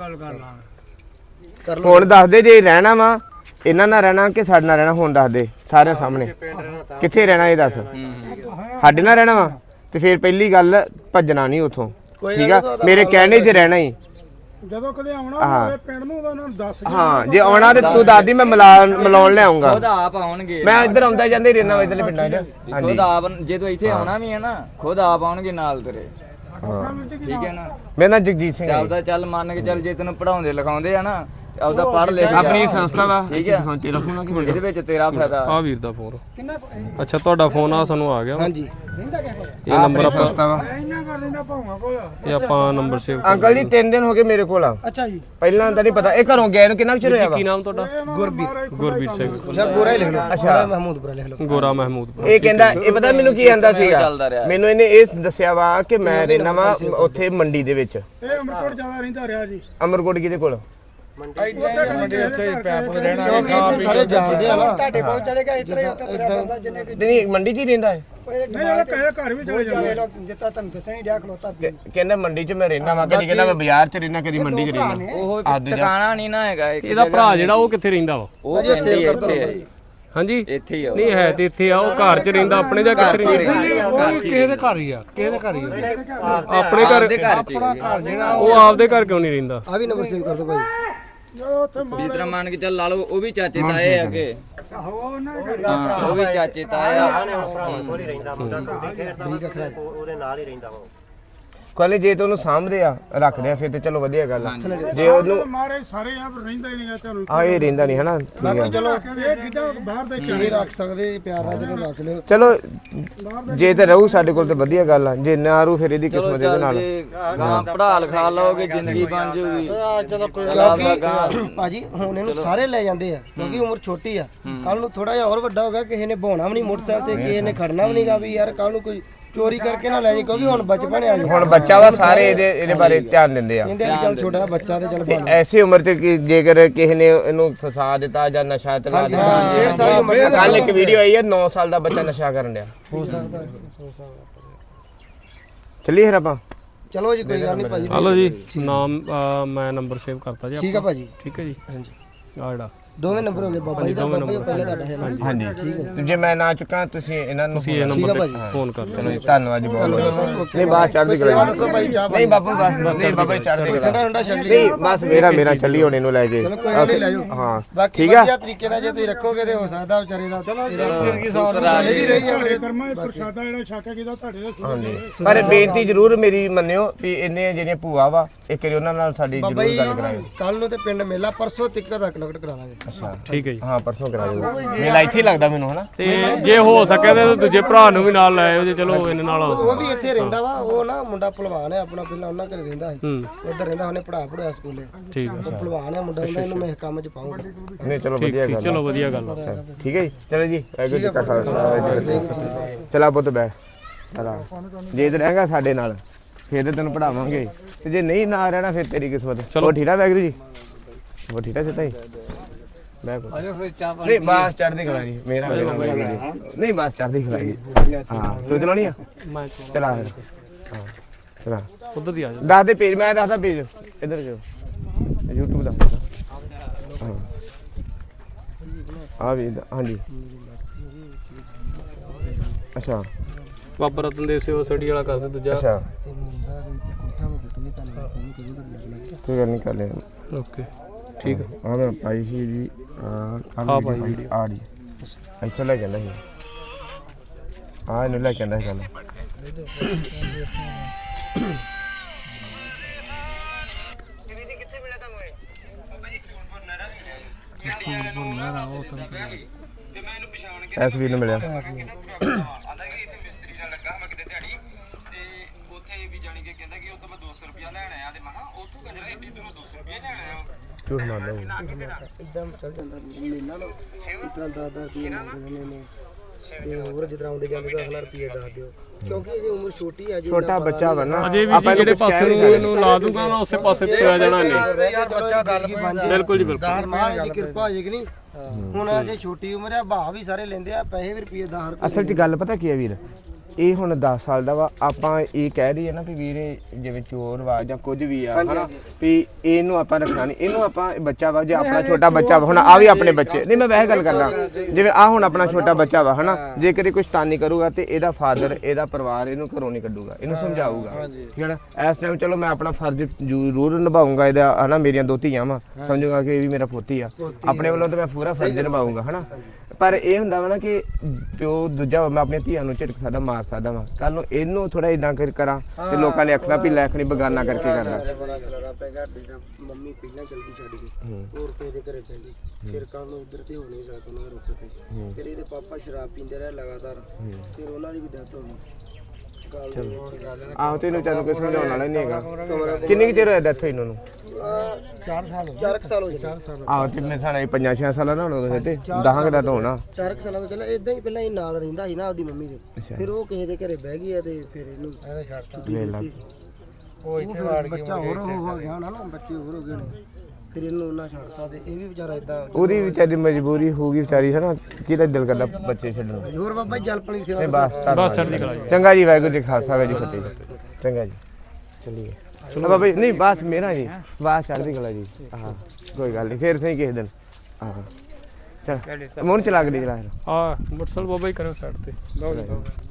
ਹੁਣ ਦੱਸ ਦੇ ਜੇ ਰਹਿਣਾ ਵਾ ਇਹਨਾਂ ਨਾਲ ਰਹਿਣਾ ਕਿ ਸਾਡੇ ਨਾਲ ਰਹਿਣਾ ਹੁਣ ਦੱਸ ਦੇ ਸਾਰਿਆਂ ਸਾਹਮਣੇ ਕਿੱਥੇ ਰਹਿਣਾ ਇਹ ਦੱਸ ਸਾਡੇ ਨਾਲ ਰਹਿਣਾ ਵਾ ਤੇ ਫਿਰ ਪਹਿਲੀ ਗੱਲ ਭੱਜਣਾ ਨਹੀਂ ਉਥੋਂ ਠੀਕ ਆ ਮੇਰੇ ਕਹਿਣੇ 'ਚ ਰਹਿਣਾ ਹੀ ਜਦੋਂ ਕਦੇ ਆਉਣਾ ਹੋਵੇ ਪਿੰਡ ਨੂੰ ਤਾਂ ਉਹਨਾਂ ਨੂੰ ਦੱਸ ਕੇ ਹਾਂ ਜੇ ਆਉਣਾ ਤੇ ਤੂੰ ਦੱਸਦੀ ਮੈਂ ਮਿਲਾ ਮਿਲਾਉਣ ਲਿਆਉਂਗਾ ਖੁਦ ਆਪ ਆਉਣਗੇ ਮੈਂ ਇੱਧਰ ਆਉਂਦਾ ਜਾਂਦੇ ਰਹਿਣਾ ਇਧਰਲੇ ਪਿੰਡਾਂ 'ਚ ਹਾਂਜੀ ਖੁਦ ਆਪ ਜੇ ਤੂੰ ਇੱਥੇ ਆਉਣਾ ਵੀ ਹੈ ਨਾ ਖੁਦ ਆਪ ਆਉਣਗੇ ਨਾਲ ਤੇਰੇ ਠੀਕ ਹੈ ਨਾ ਮੇਰਾ ਨਾਮ ਜਗਜੀਤ ਸਿੰਘ ਹੈ ਚੱਲਦਾ ਚੱਲ ਮੰਨ ਕੇ ਚੱਲ ਜੇ ਤੈਨੂੰ ਪੜਾਉਂਦੇ ਲਿਖਾਉਂਦੇ ਆ ਨਾ ਆਪਦਾ ਪੜ੍ਹ ਲਿਖ ਜਾ। ਆਪਣੀ ਸੰਸਥਾ ਵਾ ਠੀਕ ਹੈ ਤੇ ਰੱਖੂਗਾ ਕਿ ਇਹਦੇ ਵਿੱਚ ਤੇਰਾ ਫਾਇਦਾ ਆ ਵੀਰ ਦਾ ਫੋਨ ਅੱਛਾ ਤੁਹਾਡਾ ਫੋਨ ਆ ਸਾਨੂੰ ਆ ਗਿਆ ਵਾ। ਹਾਂਜੀ ਇਹ ਨੰਬਰ ਆਪਾਂ ਸੰਸਥਾ ਵਾ ਇੰਨਾ ਕਰ ਲੈਂਦਾ ਭਾਵਾਂ ਕੋਲ ਇਹ ਆਪਾਂ ਨੰਬਰ ਸੇਵ ਅੰਕਲ ਜੀ ਤਿੰਨ ਦਿਨ ਹੋ ਗਏ ਮੇਰੇ ਕੋਲ ਆ ਅੱਛਾ ਜੀ ਪਹਿਲਾਂ ਤਾਂ ਨਹੀਂ ਪਤਾ ਇਹ ਘਰੋਂ ਗਿਆ ਇਹਨੂੰ ਕਿੰਨਾ ਕੁ ਚਿਰ ਹੋਇਆ ਵਾ ਕੀ ਨਾਮ ਤੁਹਾਡਾ ਗੁਰਬੀਰ ਗੁਰਬੀਰ ਸਿੰਘ ਅੱਛਾ ਗੋਰਾ ਹੀ ਲਿਖ ਲਓ ਅੱਛਾ ਮਹਿਮੂਦਪੁਰਾ ਲਿਖ ਲਓ ਗੋਰਾ ਮਹਿਮੂਦਪੁਰ ਇਹ ਕਹਿੰਦਾ ਇਹ ਪਤਾ ਮੈਨੂੰ ਕੀ ਆਂਦਾ ਸੀਗਾ ਚੱਲਦਾ ਰਿਹਾ। ਮੈਨੂੰ ਇਹਨੇ ਇਹ ਦੱਸਿਆ ਵਾ ਕਿ ਮੈਂ ਰਹਿਣਾ ਵਾ ਉੱਥੇ ਮੰਡੀ ਦੇ ਵਿੱਚ ਇਹ ਅਮਰਕੋਟ ਜ਼ਿਆਦਾ ਰਹਿੰਦਾ ਰਿਹਾ ਜੀ ਅਮਰਕੋਟ ਕਿਹਦੇ ਕੋਲ ਮੰਡੀ ਅੱਛਾ ਪੈਪ ਰਹਿਣਾ ਸਾਰੇ ਜਾਣਦੇ ਆ ਨਾ ਤੁਹਾਡੇ ਕੋਲ ਚਲੇ ਗਿਆ ਇਤਰੇ ਉੱਤੇ ਨਹੀਂ ਮੰਡੀ 'ਚ ਹੀ ਰਹਿੰਦਾ ਹੈ ਨਹੀਂ ਇਹ ਕਹੇ ਘਰ ਵੀ ਚਲੇ ਜਾਂਦੇ ਜਿੱਤਾ ਤੁਹਾਨੂੰ ਦੱਸਿਆ ਹੀ ਡਿਆ ਖਲੋਤਾ ਕਿ- ਕਹਿੰਦਾ ਮੰਡੀ 'ਚ ਮੈਂ ਰਹਿਣਾ ਵਾ ਕਦੀ ਕਹਿੰਦਾ ਮੈਂ ਬਾਜ਼ਾਰ 'ਚ ਰਹਿਣਾ ਕਦੀ ਮੰਡੀ 'ਚ ਰਹਿਣਾ ਉਹ ਆ ਦੂਜਾ ਟਿਕਾਣਾ ਨਹੀਂ ਨਾ ਹੈਗਾ ਇੱਕ ਇਹਦਾ ਭਰਾ ਜਿਹੜਾ ਉਹ ਕਿੱਥੇ ਰਹਿੰਦਾ ਵਾ ਉਹ ਪਿੰਡ ਹੀ ਇੱਥੇ ਹੈ ਹਾਂਜੀ ਇੱਥੇ ਹੀ ਆ ਉਹ। ਨਹੀਂ ਹੈ ਤੇ ਇੱਥੇ ਆ ਉਹ ਘਰ 'ਚ ਰਹਿੰਦਾ ਆਪਣੇ ਜਾਂ ਕਿੱਥੇ ਰਹਿੰਦਾ ਕਿਸੇ ਦੇ ਘਰ ਹੀ ਆ ਕਿਸੇ ਦੇ ਘਰ ਹੀ ਆ ਆਪਣੇ ਘਰ ਆਪਦੇ ਘਰ ਚ ਹੀ ਹੈ। ਘਰ ਜਿਹੜਾ ਉਹ ਆਪਦੇ ਘਰ ਕਿਉਂ ਨਹੀਂ ਰਹਿੰਦਾ ਆ ਵੀ ਨੰਬਰ ਸੇਵ ਕਰ ਦਿਓ ਭਾਈ ਜਦੋਂ ਉੱਥੇ ਜਿਸ ਤਰ੍ਹਾਂ ਮੰਨ ਕੇ ਚੱਲ ਲਾ ਲਓ ਉਹ ਵੀ ਚਾਚੇ ਤਾਏ ਅੱਗੇ ਹਾਂ ਉਹ ਵੀ ਚਾਚੇ ਤਾਏ ਆ ਭਰਾਵਾਂ ਕੋਲ ਹੀ ਰਹਿੰਦਾ ਮੁੰਡਾ ਕੁੜੀ ਖੇਡਦਾ ਵਾ, ਉਹ- ਉਹਦੇ ਨਾਲ ਹੀ ਰਹਿੰਦਾ ਉਹ ਕੋਈ ਨਹੀਂ ਜੇ ਤੇ ਉਹਨੂੰ ਸਾਂਭਦੇ ਆ ਰੱਖਦੇ ਆ ਫਿਰ ਤੇ ਚਲੋ ਵਧੀਆ ਗੱਲ ਆ ਜੇ ਉਹਨੂੰ ਮਾਰੇ ਸਾਰੇ ਆ ਪਰ ਰਹਿੰਦਾ ਹੀ ਨਹੀਂ ਤੁਹਾਨੂੰ ਆ ਇਹ ਰਹਿੰਦਾ ਨਹੀਂ ਹਨਾ ਠੀਕ ਆ ਚਲੋ ਇਹ ਚੀਜ਼ਾਂ ਬਾਹਰ ਦੇ ਨਹੀਂ ਰੱਖ ਸਕਦੇ ਪਿਆਰ ਨਾਲ ਜਦੋਂ ਰੱਖ ਲਿਓ ਚਲੋ ਜੇ ਤੇ ਰਹੂ ਸਾਡੇ ਕੋਲ ਤੇ ਵਧੀਆ ਗੱਲ ਆ ਜੇ ਨਾ ਰੂ ਫਿਰ ਇਹਦੀ ਕਿਸਮਤ ਇਹਦੇ ਨਾਲ ਗਾਂ ਪੜਾ ਲਿਖਾ ਲਓਗੇ ਜ਼ਿੰਦਗੀ ਬਣ ਜੂਗੀ ਚਲੋ ਕਿਉਂਕਿ ਭਾਜੀ ਹੁਣ ਇਹਨੂੰ ਸਾਰੇ ਲੈ ਜਾਂਦੇ ਆ ਕਿਉਂਕਿ ਉਮਰ ਛੋਟੀ ਆ ਕੱਲ ਨੂੰ ਥੋੜਾ ਜਿਹਾ ਹੋਰ ਵੱਡਾ ਹੋਗਾ ਕਿਸੇ ਨੇ ਬਹਾਉਣਾ ਵੀ ਨਹੀਂ ਮੋਟਰਸਾਈਕਲ ਤੇ ਕਿਸੇ ਨੇ ਖੜਨਾ ਵੀ ਨਹੀਂਗਾ ਵੀ ਯਾਰ ਕੱਲ ਨੂੰ ਕੋਈ ਚੋਰੀ ਕਰਕੇ ਨਾ ਲੈ ਜਾਏ ਕਿਉਂਕਿ ਹੁਣ ਬਚਪਨ ਆ ਹੁਣ ਬੱਚਾ ਵਾ ਸਾਰੇ ਇਹਦੇ ਇਹਦੇ ਬਾਰੇ ਧਿਆਨ ਦਿੰਦੇ ਆ ਕਹਿੰਦੇ ਵੀ ਚੱਲ ਛੋਟਾ ਬੱਚਾ ਤੇ ਚੱਲ ਤੇ ਐਸੀ ਉਮਰ ਤੇ ਕਿ ਜੇਕਰ ਕਿਸੇ ਨੇ ਇਹਨੂੰ ਫਸਾ ਦਿੱਤਾ ਜਾਂ ਨਸ਼ਾ ਤੇ ਲਾ ਦਿੱਤਾ ਇਹ ਸਾਰੀ ਉਮਰ ਕੱਲ ਇੱਕ ਵੀਡੀਓ ਆਈ ਹੈ ਨੌ ਸਾਲ ਦਾ ਬੱਚਾ ਨਸ਼ਾ ਕਰਨ ਡਿਆ ਹੋ ਸਕਦਾ ਚੱਲੀਏ ਫਿਰ ਆਪਾਂ ਚਲੋ ਜੀ ਕੋਈ ਗੱਲ ਨਹੀਂ ਭਾਜੀ ਹਲੋ ਜੀ ਨਾਮ ਅਹ, ਮੈਂ ਨੰਬਰ ਸੇਵ ਕਰਤਾ ਜੀ ਠੀਕ ਆ ਭਾਜੀ ਠੀਕ ਹੈ ਜੀ ਹਾਂਜੀ ਆ ਜਿਹੜਾ ਦੋਵੇਂ ਨੰਬਰ ਹੋ ਗਏ ਬਾਬਾ ਜੀ ਦਾ ਬਾਬਾ ਜੀ ਪਹਿਲਾਂ ਤੁਹਾਡਾ ਹੈ ਨਾ ਹਾਂਜੀ ਤੇ ਜੇ ਮੈਂ ਨਾ ਚੁੱਕਾਂ ਤੁਸੀਂ ਇਹਨਾਂ ਨੂੰ ਤੁਸੀਂ ਇਹ ਨੰਬਰ ਤੇ ਫੋਨ ਕਰ ਲਓ ਚਲੋ ਜੀ, ਧੰਨਵਾਦ ਜੀ ਬਹੁਤ ਬਹੁਤ ਨਹੀਂ ਬਾਤ ਚੜ੍ਹਦੀ ਕਲਾ ਜੀ ਦੱਸੋ ਭਾਈ ਚਾਹ ਨਹੀਂ ਬਾਬੂ ਬਸ ਨਹੀਂ ਬਾਬਾ ਜੀ ਚੜ੍ਹਦੀ ਠੰਡਾ ਕਲਾ ਠੰਡਾ ਛੱਡ ਲਈ ਨਹੀਂ ਬਸ ਮੇਰਾ ਮੇਰਾ ਚੱਲੀ ਹੁਣ ਇਹਨੂੰ ਲੈ ਕੇ ਚਲੋ ਕੋਈ ਗੱਲ ਨਹੀਂ ਲੈ ਜਾਓ ਹਾਂ ਬਾਕੀ ਠੀਕ ਆ ਵਧੀਆ ਤਰੀਕੇ ਨਾਲ ਜੇ ਤੁਸੀਂ ਰੱਖੋਗੇ ਤੇ ਹੋ ਸਕਦਾ ਵਿਚਾਰੇ ਦਾ ਚਲੋ ਜ਼ਿੰਦਗੀ ਸੌਰ ਇਹ ਵੀ ਰਹੀ ਤੁਹਾਡੇ ਕਰਮਾਂ ਵਿੱਚ ਪ੍ਰਸ਼ਾਦਾ ਜਿਹੜਾ ਛੱਕ ਕੀਤਾ ਤੁਹਾਡੇ ਦੇ ਹਾਂਜੀ ਪਰ ਬੇਨਤੀ ਜ਼ਰੂਰ ਮੇਰੀ ਮੰਨਿਓ ਵੀ ਇੰਨੇ ਜਿਹੜੀਆਂ ਭੂਆ ਵਾ ਇੱਕ ਵਾਰੀ ਉਹਨਾਂ ਨਾਲ ਸਾਡੀ ਬਾਬਾ ਜ਼ਰੂਰ ਜੀ ਗੱਲ ਕਰਾਇਓ ਕੱਲ ਨੂੰ ਤੇ ਪਿੰਡ ਮੇਲਾ ਪਰਸੋਂ ਤੱਕ ਦਾ ਕਨੈਕਟ ਕਰਾ ਦਾਂਗੇ ਅੱਛਾ ਠੀਕ ਹੈ ਜੀ ਹਾਂ ਪਰਸੋਂ ਕਰਾ ਦਿਓ ਮੇਲਾ ਇੱਥੇ ਹੀ ਲੱਗਦਾ ਮੈਨੂੰ ਹਨਾ ਤੇ ਜੇ ਹੋ ਸਕੇ ਤੇ ਦੂਜੇ ਭਰਾ ਨੂੰ ਵੀ ਨਾਲ ਲੈ ਆਇਓ ਜੇ ਚਲੋ ਇਹਨਾਂ ਨਾਲ ਉਹ ਵੀ ਇੱਥੇ ਰਹਿੰਦਾ ਵਾ ਉਹ ਨਾ ਮੁੰਡਾ ਭਲਵਾਨ ਹੈ ਆਪਣਾ ਪਹਿਲਾਂ ਉਹਨਾਂ ਘਰੇ ਰਹਿੰਦਾ ਸੀ ਹੂੰ ਉੱਧਰ ਰਹਿੰਦਾ ਉਹਨੇ ਪੜਾ ਪੜਿਆ ਸਕੂਲੇ ਠੀਕ ਹੈ ਉਹ ਭਲਵਾਨ ਹੈ ਮੁੰਡਾ ਉਹਦਾ ਇਹਨੂੰ ਮੈਂ ਇਸ ਕੰਮ 'ਚ ਪਾਉਂਗਾ ਨਹੀਂ ਚਲੋ ਠੀਕ ਵਧੀਆ ਠੀਕ ਗੱਲ ਚਲੋ ਵਧੀਆ ਗੱਲ ਆ ਠੀਕ ਹੈ ਜੀ ਚਲੋ ਜੀ ਵਾਹਿਗੁਰੂ ਜੀ ਕਾ ਖਾਲਸਾ ਵਾਹਿਗੁਰੂ ਜੀ ਕੀ ਫਤਿਹ ਚਲਾ ਪੁੱਤ ਬੈ ਚਲਾ ਜੇ ਤੇ ਰਹੇਗਾ ਸਾਡੇ ਨਾਲ ਫਿਰ ਤੇ ਤੈਨੂੰ ਪੜਾਵਾਂਗੇ ਤੇ ਜੇ ਨਹੀਂ ਨਾ ਰਹਿਣਾ ਫਿਰ ਤੇਰੀ ਕਿਸਮਤ ਚਲੋ ਠੀਕ ਆ ਵਾਹਿਗੁਰੂ ਜੀ ਉਹ ਠੀਕ ਆ ਸਿੱਧਾ ਹੀ ਮੈਂ ਨਹੀਂ ਬਾਸ ਚੜ੍ਹਦੀ ਕਲਾ ਜੀ ਮੇਰਾ ਮੇਰਾ ਵਾਹਿਗੁਰੂ ਜੀ ਨਹੀਂ ਬਾਸ ਚੜ੍ਹਦੀ ਕਲਾ ਜੀ ਹਾਂ ਤੂੰ ਚਲਾਉਣੀ ਆ ਮੈਂ ਚਲਾ ਫਿਰ ਹਾਂ ਚਲਾ ਉਧਰ ਦੀ ਆ ਜਾ ਦੱਸ ਦੇ ਪੇਜ ਮੈਂ ਦੱਸਦਾ ਪੇਜ ਇੱਧਰ ਜੋ YouTube ਦਾ ਹਾਂ ਆ ਵੀ ਇੱਧਰ, ਹਾਂਜੀ ਅੱਛਾ ਬਾਬਾ ਰਤਨ ਦੇਵ ਸੇਵਾ ਸਟੱਡੀ ਵਾਲਾ ਕਰਦੇ ਦੂਜਾ ਅੱਛਾ ਕੋਈ ਗੱਲ ਨਹੀਂ ਕਰ ਲੈ ਓਕੇ ਠੀਕ ਹੈ ਆ ਮੈਂ ਪਾਈ ਸੀ ਜੀ ਆ ਆਹ ਪਾਈ ਵੀਡੀਓ ਆ ਰਹੀ ਇੱਥੇ ਲੈ ਜਾਂਦਾ ਸੀ ਆ ਇਹਨੂੰ ਲੈ ਕੇ ਆਂਦਾ ਸੀ ਕੱਲ ਐਸ ਵੀ ਨੂੰ ਮਿਲਿਆ ਝੂਠ ਮਾਰਦਾ ਉਹ ਇਦਾਂ ਚੱਲ ਜਾਂਦਾ ਮੇਲਾ ਨਾ ਇਤਨਾ ਦਾਦਾ ਰੁਪਏ ਮੰਗਦੇ ਨੇ ਤੇ ਹੋਰ ਜਿੱਦਾਂ ਆਉਂਦੇ ਜਾਂਦੇ ਤਾਂ ਅਗਲਾ ਰੁਪਏ ਦੱਸ ਦਿਓ ਕਿਉਂਕਿ ਇਹ ਉਮਰ ਛੋਟੀ ਆ ਜੀ ਛੋਟਾ ਬੱਚਾ ਵਾ ਨਾ ਅਜੇ ਵੀ ਜੀ ਜਿਹੜੇ ਪਾਸੇ ਨੂੰ ਇਹਨੂੰ ਲਾ ਦੂੰਗਾ ਨਾ ਉਸੇ ਪਾਸੇ ਤੁਰਿਆ ਜਾਣਾ ਇਹਨੇ ਯਾਰ ਬੱਚਾ ਗੱਲ ਬਣ ਜੇ ਬਿਲਕੁਲ ਜੀ ਬਿਲਕੁਲ ਦਾਰ ਮਹਾਰਾਜ ਦੀ ਕਿਰਪਾ ਹੋ ਜੇ ਕਿ ਨਹੀਂ ਹੁਣ ਜੇ ਛੋਟੀ ਉਮਰ ਆ ਭਾਅ ਵੀ ਸਾਰੇ ਲੈਂਦੇ ਆ ਪੈਸੇ ਵੀ ਰੁਪਏ ਦਸ ਰੁਪਏ ਅਸਲ 'ਚ ਗੱਲ ਪਤਾ ਕੀ ਹੈ ਵੀਰ ਇਹ ਹੁਣ ਦਸ ਸਾਲ ਦਾ ਵਾ ਆਪਾਂ ਇਹ ਕਹਿ ਰਹੀ ਹੈ ਨਾ ਵੀ ਵੀਰੇ ਜਿਵੇਂ ਚੋਰ ਵਾ ਜਾਂ ਕੁਝ ਵੀ ਆ ਹਨਾ ਵੀ ਇਹਨੂੰ ਆਪਾਂ ਰੱਖਣਾ ਨਹੀਂ ਇਹਨੂੰ ਆਪਾਂ ਇਹ ਬੱਚਾ ਵਾ ਜੇ ਆਪਣਾ ਛੋਟਾ ਬੱਚਾ ਵਾ ਹੁਣ ਆ ਵੀ ਆਪਣੇ ਬੱਚੇ ਨਹੀਂ ਮੈਂ ਵੈਸੇ ਗੱਲ ਕਰਦਾ ਜਿਵੇਂ ਆ ਹੁਣ ਆਪਣਾ ਛੋਟਾ ਬੱਚਾ ਵਾ ਹਨਾ ਜੇ ਕਦੇ ਕੋਈ ਸ਼ੈਤਾਨੀ ਕਰੂਗਾ ਤੇ ਇਹਦਾ ਫਾਦਰ ਇਹਦਾ ਪਰਿਵਾਰ ਇਹਨੂੰ ਘਰੋਂ ਨਹੀਂ ਕੱਢੂਗਾ ਇਹਨੂੰ ਸਮਝਾਊਗਾ ਠੀਕ ਹੈ ਨਾ ਇਸ ਟਾਈਮ ਚਲੋ ਮੈਂ ਆਪਣਾ ਫਰਜ਼ ਜ਼ਰੂਰ ਨਿਭਾਊਂਗਾ ਇਹਦਾ ਹਨਾ ਮੇਰੀਆਂ ਦੋ ਧੀਆਂ ਵਾ ਸਮਝੂਗਾ ਕਿ ਇਹ ਵੀ ਮੇਰਾ ਪੋਤੀ ਆ ਆਪਣੇ ਵੱਲੋਂ ਤਾਂ ਮੈਂ ਪੂਰਾ ਫਰਜ਼ ਨਿਭਾਊਂਗਾ ਹਨਾ ਪਰ ਇਹ ਹੁੰਦਾ ਵਾ ਨਾ ਕਿ ਪਿਓ ਦੂਜਾ ਮੈਂ ਆਪਣੀਆਂ ਧੀਆਂ ਨੂੰ ਝਿੜਕ ਸਕਦਾ ਮਾਰ ਸਕਦਾ ਵਾ ਕੱਲ ਨੂੰ ਇਹਨੂੰ ਥੋੜਾ ਇਦਾਂ ਕਰ ਕਰਾਂ ਤੇ ਲੋਕਾਂ ਨੇ ਆਖਣਾ ਵੀ ਲੈਖਣੀ ਬਗਾਨਾ ਕਰਕੇ ਕਰਦਾ ਬੜਾ ਖਲਾਰਾ ਪੈ ਗਿਆ ਬੇਟਾ ਮੰਮੀ ਪਹਿਲਾਂ ਜਲਦੀ ਛੱਡ ਗਈ ਹੋਰ ਕਿਸੇ ਦੇ ਘਰੇ ਪੈਂਦੀ ਫਿਰ ਕੱਲ ਨੂੰ ਉਧਰ ਤੇ ਹੋ ਨਹੀਂ ਸਕਦਾ ਉਹਨਾਂ ਦੇ ਰੁੱਖ ਤੇ ਫਿਰ ਇਹਦੇ ਪਾਪਾ ਸ਼ਰਾਬ ਪੀਂਦੇ ਰਹੇ ਲਗਾਤਾਰ ਫਿਰ ਉਹਨਾਂ ਦੀ ਵੀ ਡੈਥ ਹੋ ਗਈ ਆਹੋ ਤੈਨੂੰ ਤੈਨੂੰ ਕੋਈ ਸਮਝਾਉਣ ਵਾਲਾ ਨਹੀਂ ਹੈਗਾ ਕਿੰਨੀ ਕੁ ਚਿਰ ਹੋਇਆ ਡੈਥ ਹੋਈ ਇਹਨਾਂ ਨੂੰ ਚਾਰ ਸਾਲ ਚਾਰ ਸਾਲ ਹੋ ਗਏ ਚਾਰ ਸਾਲ ਆਹੋ ਤੇ ਮੇਰੇ ਸਾਲੇ ਪੰਜਾਂ ਛੇ ਸਾਲਾਂ ਦਾ ਹੋਣਾ ਤੇ ਦਸਾਂ ਕੁ ਦਾ ਤਾਂ ਹੋਣਾ ਚਾਰ ਸਾਲਾਂ ਤੋਂ ਪਹਿਲਾਂ ਇਦਾਂ ਹੀ ਪਹਿਲਾਂ ਇਹ ਨਾਲ ਰਹਿੰਦਾ ਸੀ ਨਾ ਆਪਦੀ ਮੰਮੀ ਦੇ ਫਿਰ ਉਹ ਕਿਸੇ ਦੇ ਘਰੇ ਬਹਿ ਗਈ ਆ ਤੇ ਫਿਰ ਇਹਨੂੰ ਲੈ ਲਾ ਉਹ ਇੱਥੇ ਵਾੜ ਗਿਆ ਬੱਚਾ ਹੋਰ ਹੋ ਗਿਆ ਨਾ ਬੱਚੇ ਹੋਰ ਹੋ ਗਏ ਨੇ ਫਿਰ ਇਹਨੂੰ ਉਹਨਾਂ ਛੱਡਤਾ ਤੇ ਇਹ ਵੀ ਵਿਚਾਰਾ ਇਦਾਂ ਉਹਦੀ ਵਿਚਾਰੀ ਮਜਬੂਰੀ ਹੋਊਗੀ ਵਿਚਾਰੀ ਹੈ ਨਾ ਕਿਹਦਾ ਦਿਲ ਕਰਦਾ ਬੱਚੇ ਛੱਡਣ ਨੂੰ ਹੋਰ ਬਾਬਾ ਜੀ ਜਲਪਣੀ ਸੇਵਾ ਨਹੀਂ ਬਸ ਬਸ ਚੜ੍ਹਦੀ ਕਲਾ ਜੀ ਚੰਗਾ ਜੀ ਵਾਹਿਗੁਰੂ ਜੀ ਖਾਲਸਾ ਵਾਹਿਗੁਰੂ ਜੀ ਫਤਿਹ ਚੰਗਾ ਜੀ ਚੱਲੀਏ ਚਲੋ ਬਾਬਾ ਜੀ ਨਹੀਂ ਬਸ ਮੇਰਾ ਜੀ ਬਸ ਚੜ੍ਹਦੀ ਕਲਾ ਜੀ ਹਾਂ ਕੋਈ ਗੱਲ ਨਹੀਂ ਫੇਰ ਸਹੀ ਕਿਸੇ ਦਿਨ ਹਾਂ ਚਲ ਮੋਹਨ ਚਲਾ ਕੇ ਚਲਾ ਆ ਮੋਟਰਸਾਈਕਲ ਬਾਬਾ ਹੀ ਕਰਿਓ ਸਾਈਡ ਤੇ ਲਓ ਜੀ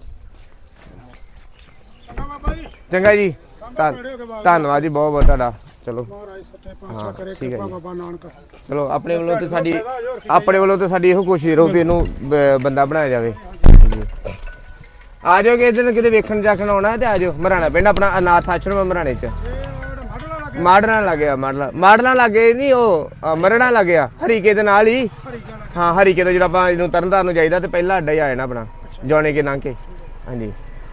ਚੰਗਾ ਜੀ ਧੰਨ- ਧੰਨਵਾਦ ਜੀ ਬਹੁਤ ਬਹੁਤ ਤੁਹਾਡਾ ਚਲੋ ਮਹਾਰਾਜ ਸੱਚੇ ਪਾਤਸ਼ਾਹ ਕਰੇ ਕਿਰਪਾ ਬਾਬਾ ਨਾਨਕ ਚਲੋ ਆਪਣੇ ਵੱਲੋਂ ਤੇ ਸਾਡੀ ਆਪਣੇ ਵੱਲੋਂ ਤੇ ਸਾਡੀ ਇਹੋ ਕੋਸ਼ਿਸ਼ ਰਹੋ ਵੀ ਇਹਨੂੰ ਬ- ਬੰਦਾ ਬਣਾਇਆ ਜਾਵੇ ਆ ਜਾਓ ਕਿਸੇ ਦਿਨ ਕਿਤੇ ਵੇਖਣ ਜਾਖਣ ਆਉਣਾ ਤੇ ਆ ਜਾਓ ਮਰਾਣਾ ਪਿੰਡ ਆਪਣਾ ਅਨਾਥ ਆਸ਼ਰਮ ਮਰਾਣੇ ਚ ਮਾਡਲਾਂ ਲੱਗਿਆ ਮਾਡਲਾਂ ਮਾਡਲਾਂ ਲੱਗੇ ਨਹੀਂ ਉਹ ਅ, ਮਰਣਾ ਲੱਗਿਆ ਹਰੀਕੇ ਦੇ ਨਾਲ ਹੀ ਹਾਂ ਹਰੀਕੇ ਤੋਂ ਜਿਹੜਾ ਆਪਾਂ ਇਹਨੂੰ ਤਰਨਤਾਰਨ ਨੂੰ ਜਾਈਦਾ ਤੇ ਪਹਿਲਾ ਅੱਡਾ ਹੀ ਆ ਜਾਣਾ ਆਪਣਾ ਜੌਣੇ ਕੇ ਲੰਘ ਕੇ ਹਾਂਜੀ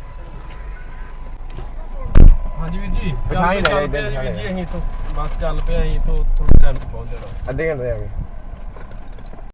ਹਾਂਜੀ ਵੀਰ ਜੀ ਪਛਾਣ ਹੀ ਚੱਲ ਲਿਆ ਪਏ ਇੱਧਰ ਜੀ ਵੀਰ ਜੀ ਅਸੀਂ ਤੋਂ ਬਸ ਚੱਲ ਪਏ ਅਸੀਂ ਤੋਂ ਥੋੜੇ ਟਾਈਮ ਚ ਪਹੁੰਚ ਜਾਣਾ ਅੱਧੇ ਘੰਟੇ ਆ ਗਏ